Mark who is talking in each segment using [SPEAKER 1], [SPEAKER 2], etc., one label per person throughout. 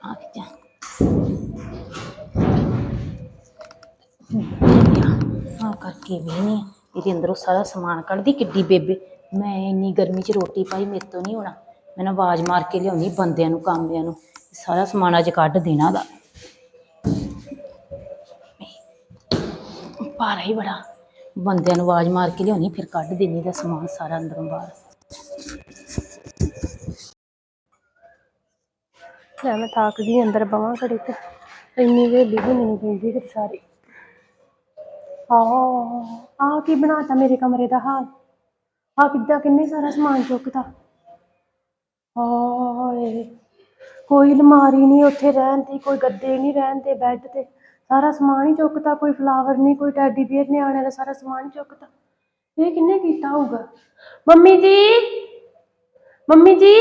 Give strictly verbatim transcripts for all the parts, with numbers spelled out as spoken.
[SPEAKER 1] ਆ ਜਾ ਆ ਕਰਕੇ ਵੀ ਨਹੀਂ ਇਹਦੇ ਅੰਦਰੋਂ ਸਾਰਾ ਸਮਾਨ ਕੱਢਦੀ ਕਿੱਡੀ ਬੇਬੇ। ਮੈਂ ਇੰਨੀ ਗਰਮੀ 'ਚ ਰੋਟੀ ਪਾਈ ਮੇਰੇ ਤੋਂ ਨਹੀਂ ਹੋਣਾ। ਮੈਂ ਆਵਾਜ਼ ਮਾਰ ਕੇ ਲਿਆਉਣੀ ਬੰਦਿਆਂ ਨੂੰ ਕਾਮਿਆਂ ਨੂੰ ਸਾਰਾ ਸਮਾਨ ਅੱਜ ਕੱਢ ਦੇਣਾ ਦਾ। ਭਾਰਾ ਹੀ ਬੜਾ ਬੰਦਿਆਂ ਨੂੰ ਆਵਾਜ਼ ਮਾਰ ਕੇ ਲਿਆਉਣੀ ਫਿਰ ਕੱਢ ਦੇਣੀ ਦਾ ਸਮਾਨ ਸਾਰਾ ਅੰਦਰੋਂ ਬਾਹਰ।
[SPEAKER 2] ਮੈਂ ਥੱਕ ਗਈ ਅੰਦਰ ਬਵਾਂ ਘੜੀ ਤੇ ਇੰਨੀ ਵੇਲੀ ਵੀ ਮੈਨੂੰ ਪੈਂਦੀ ਫਿਰ ਸਾਰੀ। ਆਹ ਆ ਕੀ ਬਣਾਤਾ ਮੇਰੇ ਕਮਰੇ ਦਾ ਹਾਲ। ਆ ਕਿੱਦਾਂ ਕਿੰਨੇ ਸਾਰਾ ਸਮਾਨ ਚੁੱਕਤਾ। ਹਾਏ ਕੋਈ ਅਲਮਾਰੀ ਨਹੀਂ ਉੱਥੇ ਰਹਿਣ ਦੀ, ਕੋਈ ਗੱਦੇ ਨਹੀਂ ਰਹਿਣ ਦੇ ਬੈੱਡ ਤੇ, ਸਾਰਾ ਸਮਾਨ ਹੀ ਚੁੱਕਤਾ। ਕੋਈ ਫਲਾਵਰ ਨਹੀਂ, ਕੋਈ ਟੈਡੀ ਬੀਅਰ ਨਿਆਣਿਆਂ ਦਾ ਸਾਰਾ ਸਮਾਨ ਹੀ ਚੁੱਕਤਾ। ਇਹ ਕਿੰਨੇ ਕੀਤਾ ਹੋਊਗਾ। ਮੰਮੀ ਜੀ ਮੰਮੀ ਜੀ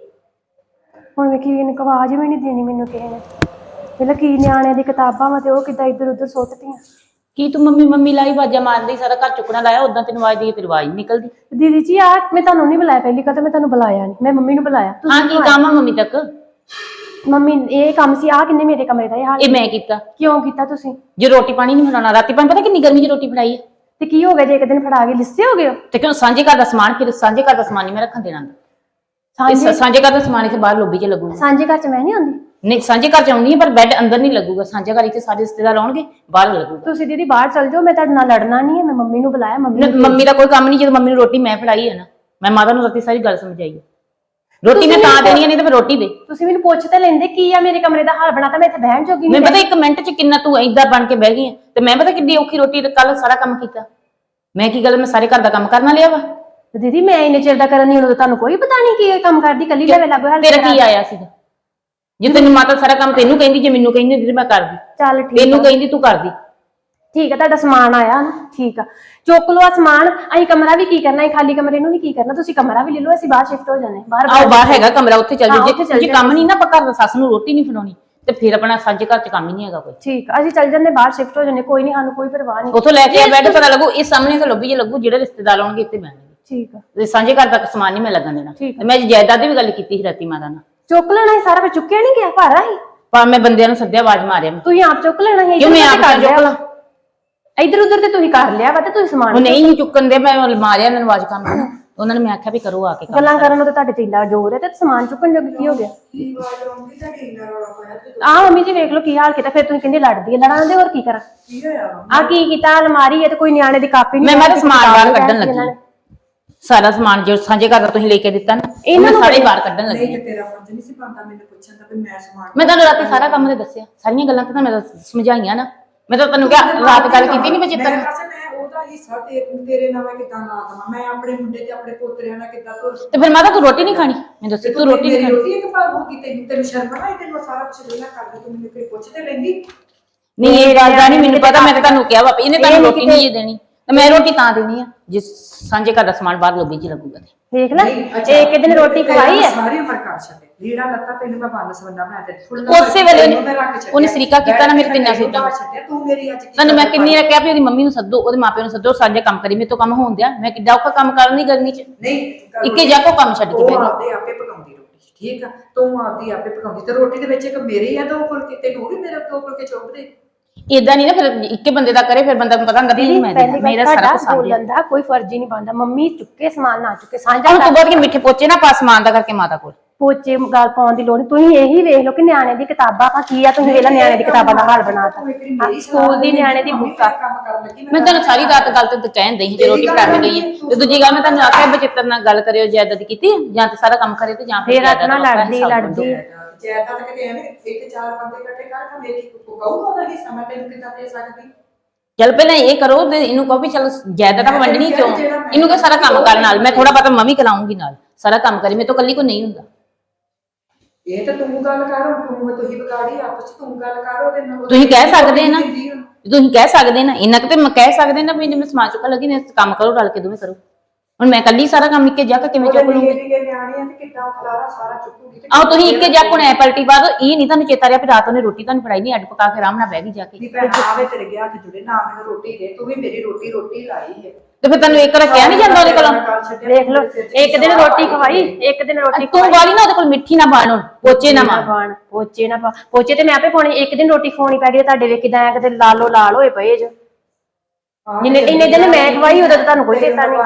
[SPEAKER 2] ਹੁਣ ਵੇਖੀ ਇਹਨੇ ਆਵਾਜ਼ ਵੀ ਨਹੀਂ ਦੇਣੀ ਮੈਨੂੰ ਕਿਸੇ ਨੇ। ਪਹਿਲਾਂ ਕੀ ਨਿਆਣਿਆਂ ਦੀ ਕਿਤਾਬਾਂ ਵਾ ਤੇ ਉਹ ਕਿੱਦਾਂ ਇੱਧਰ ਉੱਧਰ ਸੁੱਟਤੀਆਂ।
[SPEAKER 1] ਕੀ ਤੂੰ ਮੰਮੀ ਮੰਮੀ ਲਾਈ ਆਵਾਜ਼ਾਂ ਮਾਰਦੀ ਸਾਰਾ ਘਰ ਚੁੱਕਣਾ ਲਾਇਆ ਉਦਾਂ ਤੈਨੂੰ ਆਵਾਜ਼ ਦੀ ਤੇਰੀ ਆਵਾਜ਼ ਨਿਕਲਦੀ।
[SPEAKER 2] ਦੀਦੀ ਜੀ ਆ ਮੈਂ ਤੁਹਾਨੂੰ ਨਹੀਂ ਬੁਲਾਇਆ ਪਹਿਲੀ ਗੱਲ ਤਾਂ ਮੈਂ ਤੁਹਾਨੂੰ ਬੁਲਾਇਆ ਨਹੀਂ, ਮੈਂ ਮੰਮੀ ਨੂੰ ਬੁਲਾਇਆ।
[SPEAKER 1] ਹਾਂ ਕੀ ਕੰਮ ਆ ਮੰਮੀ ਤੱਕ?
[SPEAKER 2] ਮੰਮੀ ਇਹ ਕੰਮ ਸੀ ਆ ਕਿੰਨੇ ਮੇਰੇ ਕਮਰੇ ਦਾ ਇਹ ਹਾਲ।
[SPEAKER 1] ਇਹ ਮੈਂ ਕੀਤਾ।
[SPEAKER 2] ਕਿਉਂ ਕੀਤਾ ਤੁਸੀਂ?
[SPEAKER 1] ਜੇ ਰੋਟੀ ਪਾਣੀ ਨਹੀਂ ਬਣਾਉਣਾ ਰਾਤੀ ਪਾਣੀ ਪਤਾ ਕਿੰਨੀ ਗਰਮੀ 'ਚ ਰੋਟੀ ਬਣਾਈ ਹੈ
[SPEAKER 2] ਤੇ ਕੀ ਹੋ ਗਿਆ ਜੇ ਇੱਕ ਦਿਨ ਫੜਾ ਕੇ ਲਿੱਸੇ ਹੋ ਗਏ?
[SPEAKER 1] ਤੇ ਕਿਉਂ ਸਾਂਝੇ ਘਰ ਦਾ ਸਮਾਨ ਫਿਰ ਸਾਂਝੇ ਘਰ ਦਾ ਸਮਾਨ ਨਹੀਂ ਮੈਂ ਰੱਖਣ ਦੇਣਾ।
[SPEAKER 2] ਸਾਂਝੇ
[SPEAKER 1] ਸਾਂਝੇ ਘਰ ਦਾ ਸਮਾਨ ਇੱਥੇ ਬਾਹਰ ਲੋਬੀ 'ਚ ਲੱਗੂਗਾ।
[SPEAKER 2] ਸਾਂਝੇ ਘਰ 'ਚ ਮੈਂ ਨਹੀਂ ਆਉਂਦੀ।
[SPEAKER 1] ਨਹੀਂ ਸਾਂਝੇ ਘਰ 'ਚ ਆਉਂਦੀ ਹੈ ਪਰ ਬੈੱਡ ਅੰਦਰ ਨਹੀਂ ਲੱਗੂਗਾ। ਸਾਂਝੇ ਘਰ 'ਚ ਸਾਰੇ ਰਿਸ਼ਤੇਦਾਰ ਆਉਣਗੇ ਬਾਹਰ ਲੱਗੂਗਾ।
[SPEAKER 2] ਤੁਸੀਂ ਦੀਦੀ ਬਾਹਰ ਚਲ ਜਾਓ, ਮੈਂ ਤੁਹਾਡੇ ਨਾਲ ਲੜਨਾ ਨਹੀਂ ਹੈ। ਮੈਂ ਮੰਮੀ ਨੂੰ ਬੁਲਾਇਆ। ਮੰਮੀ
[SPEAKER 1] ਮੰਮੀ ਦਾ ਕੋਈ ਕੰਮ ਨਹੀਂ ਜਦੋਂ ਮੰਮੀ ਨੂੰ ਰੋਟੀ ਮੈਂ ਫੜਾਈ ਹੈ ਨਾ। ਮੈਂ ਮਾਤਾ ਨੂੰ ਰਾਤੀ ਸਾਰੀ ਗੱਲ ਸਮਝਾਈ ਹੈ। ਰੋਟੀ ਮੈਂ ਤਾਂ ਦੇਣੀ ਨਹੀਂ ਤੇ ਫਿਰ ਰੋਟੀ ਦੇ। ਤੁਸੀਂ
[SPEAKER 2] ਮੈਨੂੰ ਪੁੱਛ ਤਾਂ ਲੈਂਦੇ ਕੀ ਆ ਮੇਰੇ ਕਮਰੇ ਦਾ ਹਾਲ ਬਣਾਤਾ। ਮੈਂ ਇੱਥੇ ਬਹਿਣ ਜੋਗੀ ਨਹੀਂ।
[SPEAKER 1] ਮੈਂ ਪਤਾ ਇੱਕ ਮਿੰਟ 'ਚ ਕਿੰਨਾ ਤੂੰ ਏਦਾਂ ਬਣ ਕੇ ਬਹਿ ਗਈ ਹੈ ਤੇ ਮੈਂ ਪਤਾ ਕਿੰਨੀ ਔਖੀ ਰੋਟੀ ਤੇ ਕੱਲ ਸਾਰਾ ਕੰਮ ਕੀਤਾ। ਮੈਂ ਕੀ ਗੱਲ ਮੈਂ ਸਾਰੇ ਘਰ ਦਾ ਕੰਮ ਕਰਨਾ ਲਿਆ ਵਾ।
[SPEAKER 2] ਦੀਦੀ ਮੈਂ ਇੰਨੇ ਚਿਰ ਦਾ ਕਰਨ ਨਹੀਂ ਉਦੋਂ ਤੁਹਾਨੂੰ ਕੋਈ ਪਤਾ ਨਹੀਂ ਕੀ ਕੰਮ ਕਰਦੀ ਕੱਲੀ ਲੈਵੇ ਲੱਗੋ ਹਾਲ।
[SPEAKER 1] ਤੇਰਾ ਕੀ ਆਇਆ ਸੀਗਾ ਜੇ ਤੈਨੂੰ ਮਾਤਾ ਸਾਰਾ ਕੰਮ ਤੈਨੂੰ ਕਹਿੰਦੀ ਜੇ ਮੈਨੂੰ ਕਹਿੰਦੀ ਦੀਦੀ ਮੈਂ ਕਰਦੀ।
[SPEAKER 2] ਚੱਲ ਠੀਕ
[SPEAKER 1] ਤੈਨੂੰ ਕਹਿੰਦੀ ਤੂੰ ਕਰਦੀ।
[SPEAKER 2] ਠੀਕ ਆ ਤੁਹਾਡਾ ਸਮਾਨ ਆਇਆ ਨਾ ਠੀਕ ਆ ਚੁੱਕ ਲਓ ਆ ਸਮਾਨ। ਅਸੀਂ ਕਮਰਾ ਵੀ ਕੀ ਕਰਨਾ ਹੈ ਖਾਲੀ ਕਮਰੇ ਨੂੰ ਵੀ ਕੀ ਕਰਨਾ। ਤੁਸੀਂ ਕਮਰਾ ਵੀ ਲੈ ਲਓ ਅਸੀਂ ਬਾਹਰ ਸ਼ਿਫਟ ਹੋ ਜਾਂਦੇ ਬਾਹਰ।
[SPEAKER 1] ਆਓ ਬਾਹਰ ਹੈਗਾ ਕਮਰਾ ਉੱਥੇ ਚੱਲ ਜਾਓ। ਜੇ ਕੰਮ ਨਹੀਂ ਨਾ ਆਪਾਂ ਘਰ ਦਾ ਸੱਸ ਨੂੰ ਰੋਟੀ ਨਹੀਂ ਫੜਾਉਣੀ ਤੇ ਫਿਰ ਆਪਣਾ ਸਾਂਝੇ ਘਰ 'ਚ ਕੰਮ ਹੀ ਨਹੀਂ ਹੈਗਾ ਕੋਈ।
[SPEAKER 2] ਠੀਕ ਆ ਅਸੀਂ ਚੱਲ ਜਾਂਦੇ ਬਾਹਰ ਸ਼ਿਫਟ ਹੋ ਜਾਂਦੇ ਕੋਈ ਨਹੀਂ ਸਾਨੂੰ ਕੋਈ ਪਰਵਾਹ ਨਹੀਂ।
[SPEAKER 1] ਉੱਥੋਂ ਲੈ ਕੇ ਆ ਬੈੱਡ ਪਤਾ ਲੱਗੂ ਇਹ ਸਾਹਮਣੇ ਤਾਂ ਲੱਭੀ ਜੇ ਲੱਗੂ ਜਿਹੜੇ ਰਿਸ਼ਤੇਦਾਰ ਆਉਣਗੇ ਇੱਥੇ ਬਹਿਣਗੇ।
[SPEAKER 2] ਠੀਕ ਆ
[SPEAKER 1] ਤੇ ਸਾਂਝੇ ਘਰ ਤੱਕ ਸਮਾਨ ਨਹੀਂ ਮੈਂ ਲੱਗਣ ਦੇਣਾ। ਤੇ ਮੈਂ ਜਾਇਦਾਦ ਦੀ ਵੀ ਗੱਲ ਕੀਤੀ ਸੀ ਰਾਤੀ ਮਾਤਾ ਨਾਲ।
[SPEAKER 2] ਚੁੱਕ ਲੈਣਾ ਸੀ ਸਾਰਾ ਫਿਰ ਚੁੱਕਿਆ ਨਹੀਂ ਗਿਆ ਭਾਰਾ ਸੀ।
[SPEAKER 1] ਪਰ ਮੈਂ ਬੰਦਿਆਂ ਨੂੰ ਸੱਦਿਆ ਆਵਾਜ਼ ਮਾਰਿਆ।
[SPEAKER 2] ਤੁਸੀਂ ਆਪ ਚੁੱਕ ਲੈਣਾ ਸੀ।
[SPEAKER 1] ਕਿਉਂ ਮੈਂ ਆਪ ਚੁੱਕ ਲਾਂ?
[SPEAKER 2] ਇੱਧਰ ਉੱਧਰ ਤੇ ਤੁਸੀਂ ਕਰ ਲਿਆ ਵਾ ਤੇ ਤੁਸੀਂ ਸਮਾਨ
[SPEAKER 1] ਉਹ ਨਹੀਂ ਚੁੱਕਣ ਦੇ ਮੈਂ ਮਾਰਿਆ ਇਹਨਾਂ ਨੂੰ ਆਵਾਜ਼ ਕੰਮ ਕਰਨਾ। ਉਹਨਾਂ ਨੇ ਮੈਂ ਆਖਿਆ ਵੀ ਕਰੋ ਆ ਕੇ
[SPEAKER 2] ਗੱਲਾਂ ਕਰਨ ਨੂੰ ਤੇ ਤੁਹਾਡੇ ਤੇ ਇੰਨਾ ਜ਼ੋਰ ਹੈ ਤੇ ਸਮਾਨ ਚੁੱਕਣ ਜੋਗੀ ਕੀ ਹੋ ਗਿਆ? ਆਹ ਮੰਮੀ ਜੀ ਵੇਖ ਲਓ ਕੀ ਹਾਲ ਕੀਤਾ। ਫਿਰ ਤੁਸੀਂ ਕਹਿੰਦੇ ਲੜਦੀ ਹੈ ਲੜਾਂ ਦੇ ਹੋਰ ਕੀ ਕਰਾਂ? ਆ ਕੀ ਕੀਤਾ ਅਲਮਾਰੀ ਹੈ ਤੇ ਕੋਈ ਨਿਆਣੇ ਦੀ ਕਾਪੀ ਨਹੀਂ।
[SPEAKER 1] ਮੈਂ ਮੈਂ ਸਮਾਨ ਬਾਹਰ ਕੱਢਣ ਲੱਗੀ ਸਾਰਾ ਸਮਾਨ ਜੋ ਸਾਂਝੇ ਘਰ ਦਾ ਤੁਸੀਂ ਲੈ ਕੇ ਦਿੱਤਾ ਨਾ ਇਹਨਾਂ ਨੂੰ ਸਾਰੇ ਬਾਹਰ ਕੱਢਣ ਲੱਗੀ।
[SPEAKER 3] ਤੇਰਾ ਫਰਜ਼ ਨਹੀਂ ਸੀ ਬਣਦਾ ਮੈਨੂੰ ਪੁੱਛਣ ਦਾ ਵੀ ਮੈਂ ਸਮਾਨ।
[SPEAKER 1] ਮੈਂ ਤੁਹਾਨੂੰ ਰਾਤੀ ਸਾਰਾ ਕੰਮ ਤੇ ਦੱਸਿਆ ਸਾਰੀਆਂ ਗੱਲਾਂ ਤਾਂ ਮੈਂ ਸਮਝਾਈਆਂ ਨਾ। ਮੈਂ ਤਾਂ ਤੁਹਾਨੂੰ ਕਿਹਾ ਰਾਤ ਗੱਲ ਕੀਤੀ ਨਹੀਂ ਬਚਿੱਤਰ
[SPEAKER 3] ਮੈਂ ਉਹਦਾ ਹਿੱਸਾ ਤੇ ਤੇਰੇ ਨਾਲ ਮੈਂ ਕਿੱਦਾਂ ਲਾ ਦਵਾਂ। ਮੈਂ ਆਪਣੇ ਮੁੰਡੇ ਤੇ ਆਪਣੇ ਪੋਤਰਿਆਂ ਨਾਲ ਕਿੱਦਾਂ ਤੁਰ।
[SPEAKER 1] ਤੇ ਫਿਰ ਮਾਤਾ ਤੂੰ ਰੋਟੀ ਨਹੀਂ ਖਾਣੀ? ਮੈਂ ਦੱਸੀ ਤੂੰ ਰੋਟੀ ਨਹੀਂ ਖਾਣੀ।
[SPEAKER 3] ਰੋਟੀ ਇੱਕ ਭਾਗ ਹੋ ਗਈ ਤੈਨੂੰ ਤੈਨੂੰ ਸ਼ਰਮ ਨਾ ਆਈ? ਤੈਨੂੰ ਸਾਰਾ ਕੁਝ ਵੇਲਾ ਕਰਦਾ ਤੂੰ ਮੈਨੂੰ ਕੋਈ ਪੁੱਛ ਤੇ ਲੈਂਦੀ
[SPEAKER 1] ਨਹੀਂ। ਇਹ ਗੱਲ ਦਾ ਨਹੀਂ ਮੈਨੂੰ ਪਤਾ। ਮੈਂ ਤਾਂ ਤੁਹਾਨੂੰ ਕਿਹਾ ਵਾ ਇਹਨੇ ਤੁਹਾਨੂੰ ਰੋਟੀ ਨਹੀਂ ਦੇਣੀ ਤੇ ਮੈਂ ਰੋਟੀ ਤਾਂ ਦੇਣੀ ਆ ਜਿਸ ਸਾਂਝੇ ਘਰ ਦਾ ਸਮਾਨ ਬਾਹਰ ਲੋਬੀ 'ਚ ਲੱਗੂਗਾ।
[SPEAKER 2] ਦੇਖ ਲੈ ਇੱਕ ਦਿਨ ਰੋਟੀ ਖਵਾਈ ਹੈ
[SPEAKER 3] ਸਾਰੀ ਉਮਰ ਕਰ ਛੱਡੇ ਲੀੜਾ ਲੱਤਾ ਤੈਨੂੰ ਮੈਂ ਬੰਨ ਸਵੰਨਾ ਬਣਾ ਕੇ
[SPEAKER 1] ਉਸੇ ਵੇਲੇ ਉਹਨੇ ਸਰੀਕਾ ਕੀਤਾ ਨਾ ਮੇਰੇ ਤਿੰਨਾਂ ਸੂਟਾਂ।
[SPEAKER 3] ਤੂੰ ਮੇਰੀ ਅੱਜ
[SPEAKER 1] ਤੁਹਾਨੂੰ ਮੈਂ ਕਿੰਨੀ ਵਾਰ ਕਿਹਾ ਵੀ ਉਹਦੀ ਮੰਮੀ ਨੂੰ ਸੱਦੋ ਉਹਦੇ ਮਾਪਿਆਂ ਨੂੰ ਸੱਦੋ ਸਾਂਝੇ ਕੰਮ ਕਰੀ। ਮੇਰੇ ਤੋਂ ਕੰਮ ਹੋਣ ਦਿਆ। ਮੈਂ ਕਿੱਡਾ ਔਖਾ ਕੰਮ ਕਰਨ ਦੀ ਗਰਮੀ 'ਚ
[SPEAKER 3] ਨਹੀਂ
[SPEAKER 1] ਇੱਕੇ ਜਾ ਕੋ ਕੰਮ ਛੱਡ ਕੇ ਬਹਿ
[SPEAKER 3] ਗਈ। ਆਪੇ ਪਕਾਉਂਦੀ ਰੋਟੀ ਠੀਕ ਆ ਤੂੰ ਆਪਦੀ ਆਪੇ ਪਕਾਉਂਦੀ ਤੇ ਰੋਟੀ ਦੇ ਵਿੱਚ ਇੱਕ ਮੇਰੇ ਆ ਦੋ ਫੁਲਕੇ ਤੇ ਤੂੰ ਵੀ ਮੇਰੇ ਦੋ ਫੁਲਕੇ ਚੁੱਕਦੇ।
[SPEAKER 1] ਏਦਾਂ ਨਹੀਂ ਨਾ ਫਿਰ ਇੱਕੇ ਬੰਦੇ ਦਾ ਕਰੇ ਫਿਰ ਬੰਦਾ ਨੂੰ ਪਤਾ ਹੁੰਦਾ ਵੀ ਮੈਂ ਮੇਰਾ ਸਾਰਾ ਕੁਝ
[SPEAKER 2] ਬੋਲਣ ਦਾ ਕੋਈ ਫਰਜ਼ ਹੀ ਨਹੀਂ ਬਣਦਾ। ਮੰਮੀ ਚੁੱਕੇ ਸਮਾਨ ਨਾ ਚੁੱਕੇ ਸਾਂਝਾ
[SPEAKER 1] ਹੁਣ ਤੂੰ ਬਹੁਤ ਕਿ ਮਿੱਠੇ ਪੋਚੇ ਨਾ ਪਾ ਸਮਾਨ ਦਾ ਕਰਕੇ ਮਾਤਾ ਕੋਲ
[SPEAKER 2] ਪੋਚੇ ਗੱਲ ਪਾਉਣ ਦੀ ਲੋੜ। ਤੁਸੀਂ ਇਹੀ ਵੇਖ ਲਓ ਕਿ ਨਿਆਣੇ ਦੀ ਕਿਤਾਬਾਂ ਕੀ ਆ। ਤੁਸੀਂ ਵੇਲਾ ਨਿਆਣੇ ਦੀ ਕਿਤਾਬਾਂ ਦਾ ਹਾਲ ਬਣਾਤਾ। ਸਕੂਲ ਦੀ ਨਿਆਣੇ ਦੀ ਬੁੱਕ ਆ।
[SPEAKER 1] ਮੈਂ ਤੁਹਾਨੂੰ ਸਾਰੀ ਰਾਤ ਗੱਲ ਤੇ ਕਹਿੰਦੇ ਸੀ ਜੇ ਰੋਟੀ ਖਾ ਕੇ ਗਈ ਹੈ ਤੇ ਦੂਜੀ ਗੱਲ ਮੈਂ ਤੁਹਾਨੂੰ ਆਖਿਆ ਬਚਿੱਤਰ ਨਾਲ ਗੱਲ ਕਰਿਓ ਜਾਇਦਾਦ ਕੀਤੀ ਜਾਂ ਤੇ ਸਾਰਾ ਕੰਮ ਕਰੇ ਤੇ ਜਾਂ
[SPEAKER 2] ਫਿਰ ਰਾਤ ਨਾਲ ਲੜਦੀ ਲੜਦੀ
[SPEAKER 3] ਜਾਇਦਾਦ ਕਿਤੇ ਐਵੇਂ ਇੱਕ ਚਾਰ ਬੰਦੇ ਇਕੱਠੇ ਕਰ ਕੇ ਮੇਰੀ ਕਹੂਗਾ ਉਹਦਾ ਹਿੱਸਾ ਮੈਂ ਤੈਨੂੰ ਕਿੱਦਾਂ ਦੇ ਸਕਦੀ।
[SPEAKER 1] ਚੱਲ ਪਹਿਲਾਂ ਇਹ ਕਰੋ ਤੇ ਇਹਨੂੰ ਕਹੋ ਵੀ ਚਲ ਜਾਇਦਾਦ ਤਾਂ ਵੰਡਣੀ ਕਿਉਂ ਇਹਨੂੰ ਕਹੋ ਸਾਰਾ ਕੰਮ ਕਰਨ ਨਾਲ ਮੈਂ ਥੋੜਾ ਬਹੁਤਾ ਮੈਂ ਵੀ ਕਰਾਉਂਗੀ ਨਾਲ ਸਾਰਾ ਕੰਮ ਕਰੀ ਮੇਰੇ ਤੋਂ ਕੱਲੀ ਕੋਈ ਨਹੀਂ ਹੁੰਦਾ।
[SPEAKER 3] ਇਹ ਤਾਂ ਤੂੰ ਗੱਲ ਕਰ ਤੂੰ ਤੁਸੀਂ ਵਿਗਾੜੀ ਆਪਸ ਤੂੰ ਗੱਲ ਕਰ ਉਹਦੇ ਨਾਲ।
[SPEAKER 1] ਤੁਸੀਂ ਕਹਿ ਸਕਦੇ ਨਾ ਤੁਸੀਂ ਕਹਿ ਸਕਦੇ ਨਾ ਇੰਨਾ ਕਿ ਤੇ ਮੈਂ ਕਹਿ ਸਕਦੇ ਨਾ ਵੀ ਜਿਵੇਂ ਸਮਾਜ ਚੁੱਕਣ ਲੱਗੀ ਨੇ ਕੰਮ ਕਰੋ ਰਲ ਕੇ ਦੋਵੇਂ ਕਰੋ। ਹੁਣ ਮੈਂ ਕੱਲੀ ਸਾਰਾ ਕੰਮ ਇੱਕੇ ਜਾ ਕੇ ਕਿਵੇਂ ਚੁੱਕ ਲੂੰਗੀ?
[SPEAKER 3] ਨਿੱਕੇ ਨਿਆਣੇ ਆ ਤੇ ਕਿੱਦਾਂ ਖਲਾਰਾ ਸਾਰਾ ਚੁੱਕੂਗੀ ਤੇ
[SPEAKER 1] ਆਹ ਤੁਸੀਂ ਇੱਕੇ ਜਾ ਹੁਣ ਐ ਪਲਟੀ ਬਾਅਦ ਇਹ ਨਹੀਂ ਤੁਹਾਨੂੰ ਚੇਤਾ ਰਿਹਾ ਵੀ ਰਾਤ ਉਹਨੇ ਰੋਟੀ ਤੁਹਾਨੂੰ ਫੜਾਈ ਨਹੀਂ, ਅੱਡ ਪਕਾ ਕੇ ਆਰਾਮ ਨਾਲ ਬਹਿ ਗਈ ਜਾ ਕੇ।
[SPEAKER 3] ਨਹੀਂ ਭੈਣਾ ਆਵੇ ਤੇਰੇ ਗਿਆ ਹੱਥ ਜੁੜੇ ਨਾ ਮੈਨੂੰ ਰੋਟੀ ਦੇ, ਤੂੰ ਵੀ ਮੇਰੀ ਰੋਟੀ ਰੋਟੀ ਲਾਈ ਹੈ
[SPEAKER 1] ਤੇ ਫਿਰ ਤੈਨੂੰ ਇੱਕ ਵਾਰ ਕਿਹਾ ਨਹੀਂ ਜਾਂਦਾ ਉਹਦੇ ਕੋਲੋਂ?
[SPEAKER 2] ਦੇਖ ਲਓ ਇੱਕ ਦਿਨ ਰੋਟੀ ਖਵਾਈ, ਇੱਕ ਦਿਨ ਰੋਟੀ
[SPEAKER 1] ਤੂੰ ਵਾਲੀ ਨਾ ਉਹਦੇ ਕੋਲ ਮਿੱਠੀ ਨਾ ਬਾਣ, ਹੁਣ ਪੋਚੇ ਨਾ ਮਾਰ।
[SPEAKER 2] ਪਾਣ ਪੋਚੇ ਨਾ ਪਾ, ਪੋਚੇ ਤੇ ਮੈਂ ਆਪੇ ਪਾਉਣੀ, ਇੱਕ ਦਿਨ ਰੋਟੀ ਖਵਾਉਣੀ ਪੈ ਗਈ ਤੁਹਾਡੇ ਵੇਖ ਕਿਦਾਂ ਕਿਤੇ ਲਾਲੋ ਲਾਲ ਹੋਏ ਪਏ ਜੋ। ਜਿੰਨੇ ਇੰਨੇ ਦਿਨ ਮੈਂ ਖਵਾਈ ਉਦੋਂ ਤੁਹਾਨੂੰ ਕੋਈ ਚੇਤਾ ਨਹੀਂ।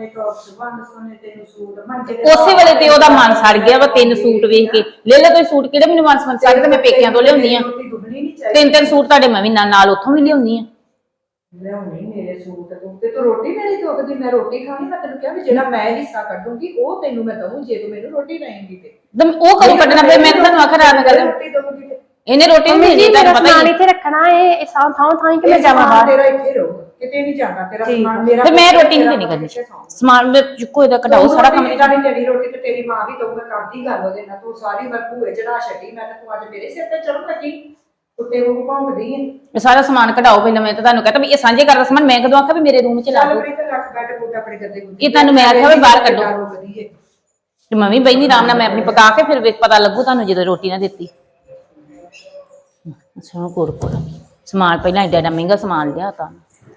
[SPEAKER 1] ਉਸੇ ਵੇਲੇ ਤੇ ਉਹਦਾ ਮਨ ਸੜ ਗਿਆ ਵਾ ਤਿੰਨ ਸੂਟ ਵੇਖ ਕੇ। ਲੈ ਲੈ ਕੋਈ ਸੂਟ ਕਿਹੜੇ ਮੈਨੂੰ ਮਨ ਸਮਝ ਸਕਦੇ, ਮੈਂ ਪੇਕਿਆਂ ਤੋਂ ਲਿਆਉਂਦੀ ਆ ਤਿੰਨ ਤਿੰਨ ਸੂਟ ਤੁਹਾਡੇ ਮੈਂ ਵੀ ਨਾਲ ਨਾਲ ਉੱਥੋਂ ਵੀ ਲਿਆਉਂਦੀ ਆ।
[SPEAKER 3] ਲਿਆਉਣੀ ਮੇਰੇ ਸੂਟ ਤੂੰ ਤੇ ਤੂੰ ਰੋਟੀ ਮੇਰੀ ਚੁੱਕਦੀ, ਮੈਂ ਰੋਟੀ ਖਾਣੀ, ਮੈਂ ਤੈਨੂੰ ਕਿਹਾ ਵੀ ਜਿਹੜਾ ਮੈਂ ਹਿੱਸਾ ਕੱਢੂੰਗੀ ਉਹ ਤੈਨੂੰ ਮੈਂ ਦਊਂ ਜੇ ਤੂੰ ਮੈਨੂੰ ਰੋਟੀ ਦੇਂਗੀ ਤੇ।
[SPEAKER 1] ਤੇ ਉਹ ਕਦੋਂ ਕੱਢਣਾ ਫਿਰ? ਮੈਂ ਤੁਹਾਨੂੰ ਆਖਰ ਆ ਗੱਲ
[SPEAKER 3] ਰੋਟੀ ਦਊਂਗੀ ਤੇ
[SPEAKER 1] ਇਹਨੇ ਰੋਟੀ ਨਹੀਂ ਦੇਣੀ, ਤੁਹਾਨੂੰ ਪਤਾ
[SPEAKER 2] ਸਮਾਨ
[SPEAKER 1] ਹੀ
[SPEAKER 2] ਇੱਥੇ ਰੱਖਣਾ ਇਹ ਥਾਂ ਥਾਂ ਥਾਂ ਕਿ ਮੈਂ ਜਾਵਾਂ ਬਾਹਰ।
[SPEAKER 3] ਤੇਰਾ ਇੱਥੇ ਰਹੂਗਾ, ਕਿਤੇ ਨਹੀਂ ਜਾਣਾ ਤੇਰਾ ਸਮਾਨ ਮੇਰਾ।
[SPEAKER 1] ਤੇ ਮੈਂ ਰੋਟੀ ਨਹੀਂ ਦੇਣੀ ਕਰਨੀ, ਸਮਾਨ ਮੈਂ ਚੁੱਕੋ ਇਹਦਾ ਕਢਾਓ ਸਾਰਾ ਕੰਮ।
[SPEAKER 3] ਨਹੀਂ ਤੇਰੀ ਰੋਟੀ ਤੇ ਤੇਰੀ ਮਾਂ ਵੀ ਦਊਗਾ, ਕਰਦੀ ਗੱਲ ਉਹਦੇ ਨਾਲ। ਤੂੰ ਸਾਰੀ ਵਾਰ ਭੂਏ ਚੜਾ ਛੱਡੀ, ਮੈਂ ਤਾਂ ਤੂੰ ਅੱਜ ਮੇਰੇ ਸਿਰ ਤੇ ਚੜ੍ਹਨ ਲੱਗੀ ਕੁੱਤੇ ਵਾਂਗੂ ਭੌਂਕਦੀ ਹੈ।
[SPEAKER 1] ਇਹ ਸਾਰਾ ਸਮਾਨ ਕਢਾਓ ਪਹਿਲਾਂ। ਮੈਂ ਤਾਂ ਤੁਹਾਨੂੰ ਕਹਤਾ ਵੀ ਇਹ ਸਾਂਝੇ ਕਰਦਾ ਸਮਾਨ, ਮੈਂ ਕਦੋਂ ਆਖਿਆ ਵੀ ਮੇਰੇ ਰੂਮ 'ਚ ਲਾ
[SPEAKER 3] ਚੱਲ
[SPEAKER 1] ਦਿਓ?
[SPEAKER 3] ਆਪਣੀ ਤੇ ਰੱਖ ਬੈੱਡ ਬੁੱਡ ਆਪਣੇ ਗੱਦੇ ਗੁੱਦੇ।
[SPEAKER 1] ਇਹ ਤੁਹਾਨੂੰ ਮੈਂ ਆਖਿਆ ਵੀ ਬਾਹਰ ਕੱਢੋ।
[SPEAKER 3] ਰੋਕਦੀ ਹੈ
[SPEAKER 1] ਤੇ ਮੈਂ ਵੀ ਬੈਠੀ ਆਰਾਮ ਨਾਲ, ਮੈਂ ਆਪਣੀ ਪਕਾ ਕੇ ਫਿਰ ਵੇਖ ਪਤਾ ਲੱਗੂ ਤੁਹਾਨੂੰ ਜਦੋਂ ਰੋਟੀ ਨਾ ਦਿੱਤੀ। ਸੁਣੋ ਕੋੜ ਕੋੜ ਸਮਾਨ ਪਹਿਲਾਂ ਏਡਾ ਏਡਾ ਮਹਿੰਗਾ ਸਮਾਨ ਲਿਆ ਤਾਂ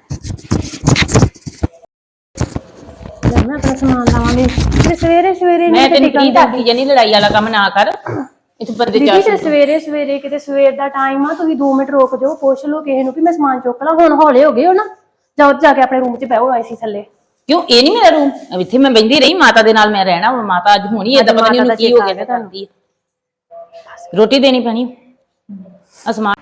[SPEAKER 2] ਮੈਂ ਆਪਣਾ ਸਮਾਨ ਲਾਵਾਂਗੀ ਤੇ ਸਵੇਰੇ ਸਵੇਰੇ
[SPEAKER 1] ਮੈਂ ਤੈਨੂੰ ਕੀ ਦੱਸਦੀ ਜਾਨੀ ਲੜਾਈ ਵਾਲਾ ਕੰਮ ਨਾ ਕਰ। ਇੱਥੇ ਬੰਦੇ
[SPEAKER 2] ਦੀਦੀ
[SPEAKER 1] ਚਾਰ
[SPEAKER 2] ਤੇ ਸਵੇਰੇ ਸਵੇਰੇ ਕਿਤੇ ਸਵੇਰ ਦਾ ਟਾਈਮ ਆ, ਤੁਸੀਂ ਦੋ ਮਿੰਟ ਰੁਕ ਜਾਓ, ਪੁੱਛ ਲਓ ਕਿਸੇ ਨੂੰ ਕਿ ਮੈਂ ਸਮਾਨ ਚੁੱਕ ਲਾਂ। ਹੁਣ ਹੌਲੇ ਹੋ ਗਏ ਹੋ ਨਾ, ਜਾਓ ਜਾ ਕੇ ਆਪਣੇ ਰੂਮ 'ਚ ਬਹਿਓ ਆਈਸੀ ਥੱਲੇ।
[SPEAKER 1] ਕਿਉਂ? ਇਹ ਨਹੀਂ ਮੇਰਾ ਰੂਮ, ਇੱਥੇ ਮੈਂ ਬੈਠੀ ਰਹੀ ਮਾਤਾ ਦੇ ਨਾਲ, ਮੈਂ ਰਹਿਣਾ। ਮਾਤਾ ਅੱਜ ਹੋਣੀ ਏਦਾਂ ਪਤਾ ਨਹੀਂ ਉਹਨੂੰ ਕੀ ਹੋ ਗਿਆ ਕਰਦੀ ਹੈ। ਰੋਟੀ ਦੇਣੀ ਪੈਣੀ ਅਸਮਾਨ।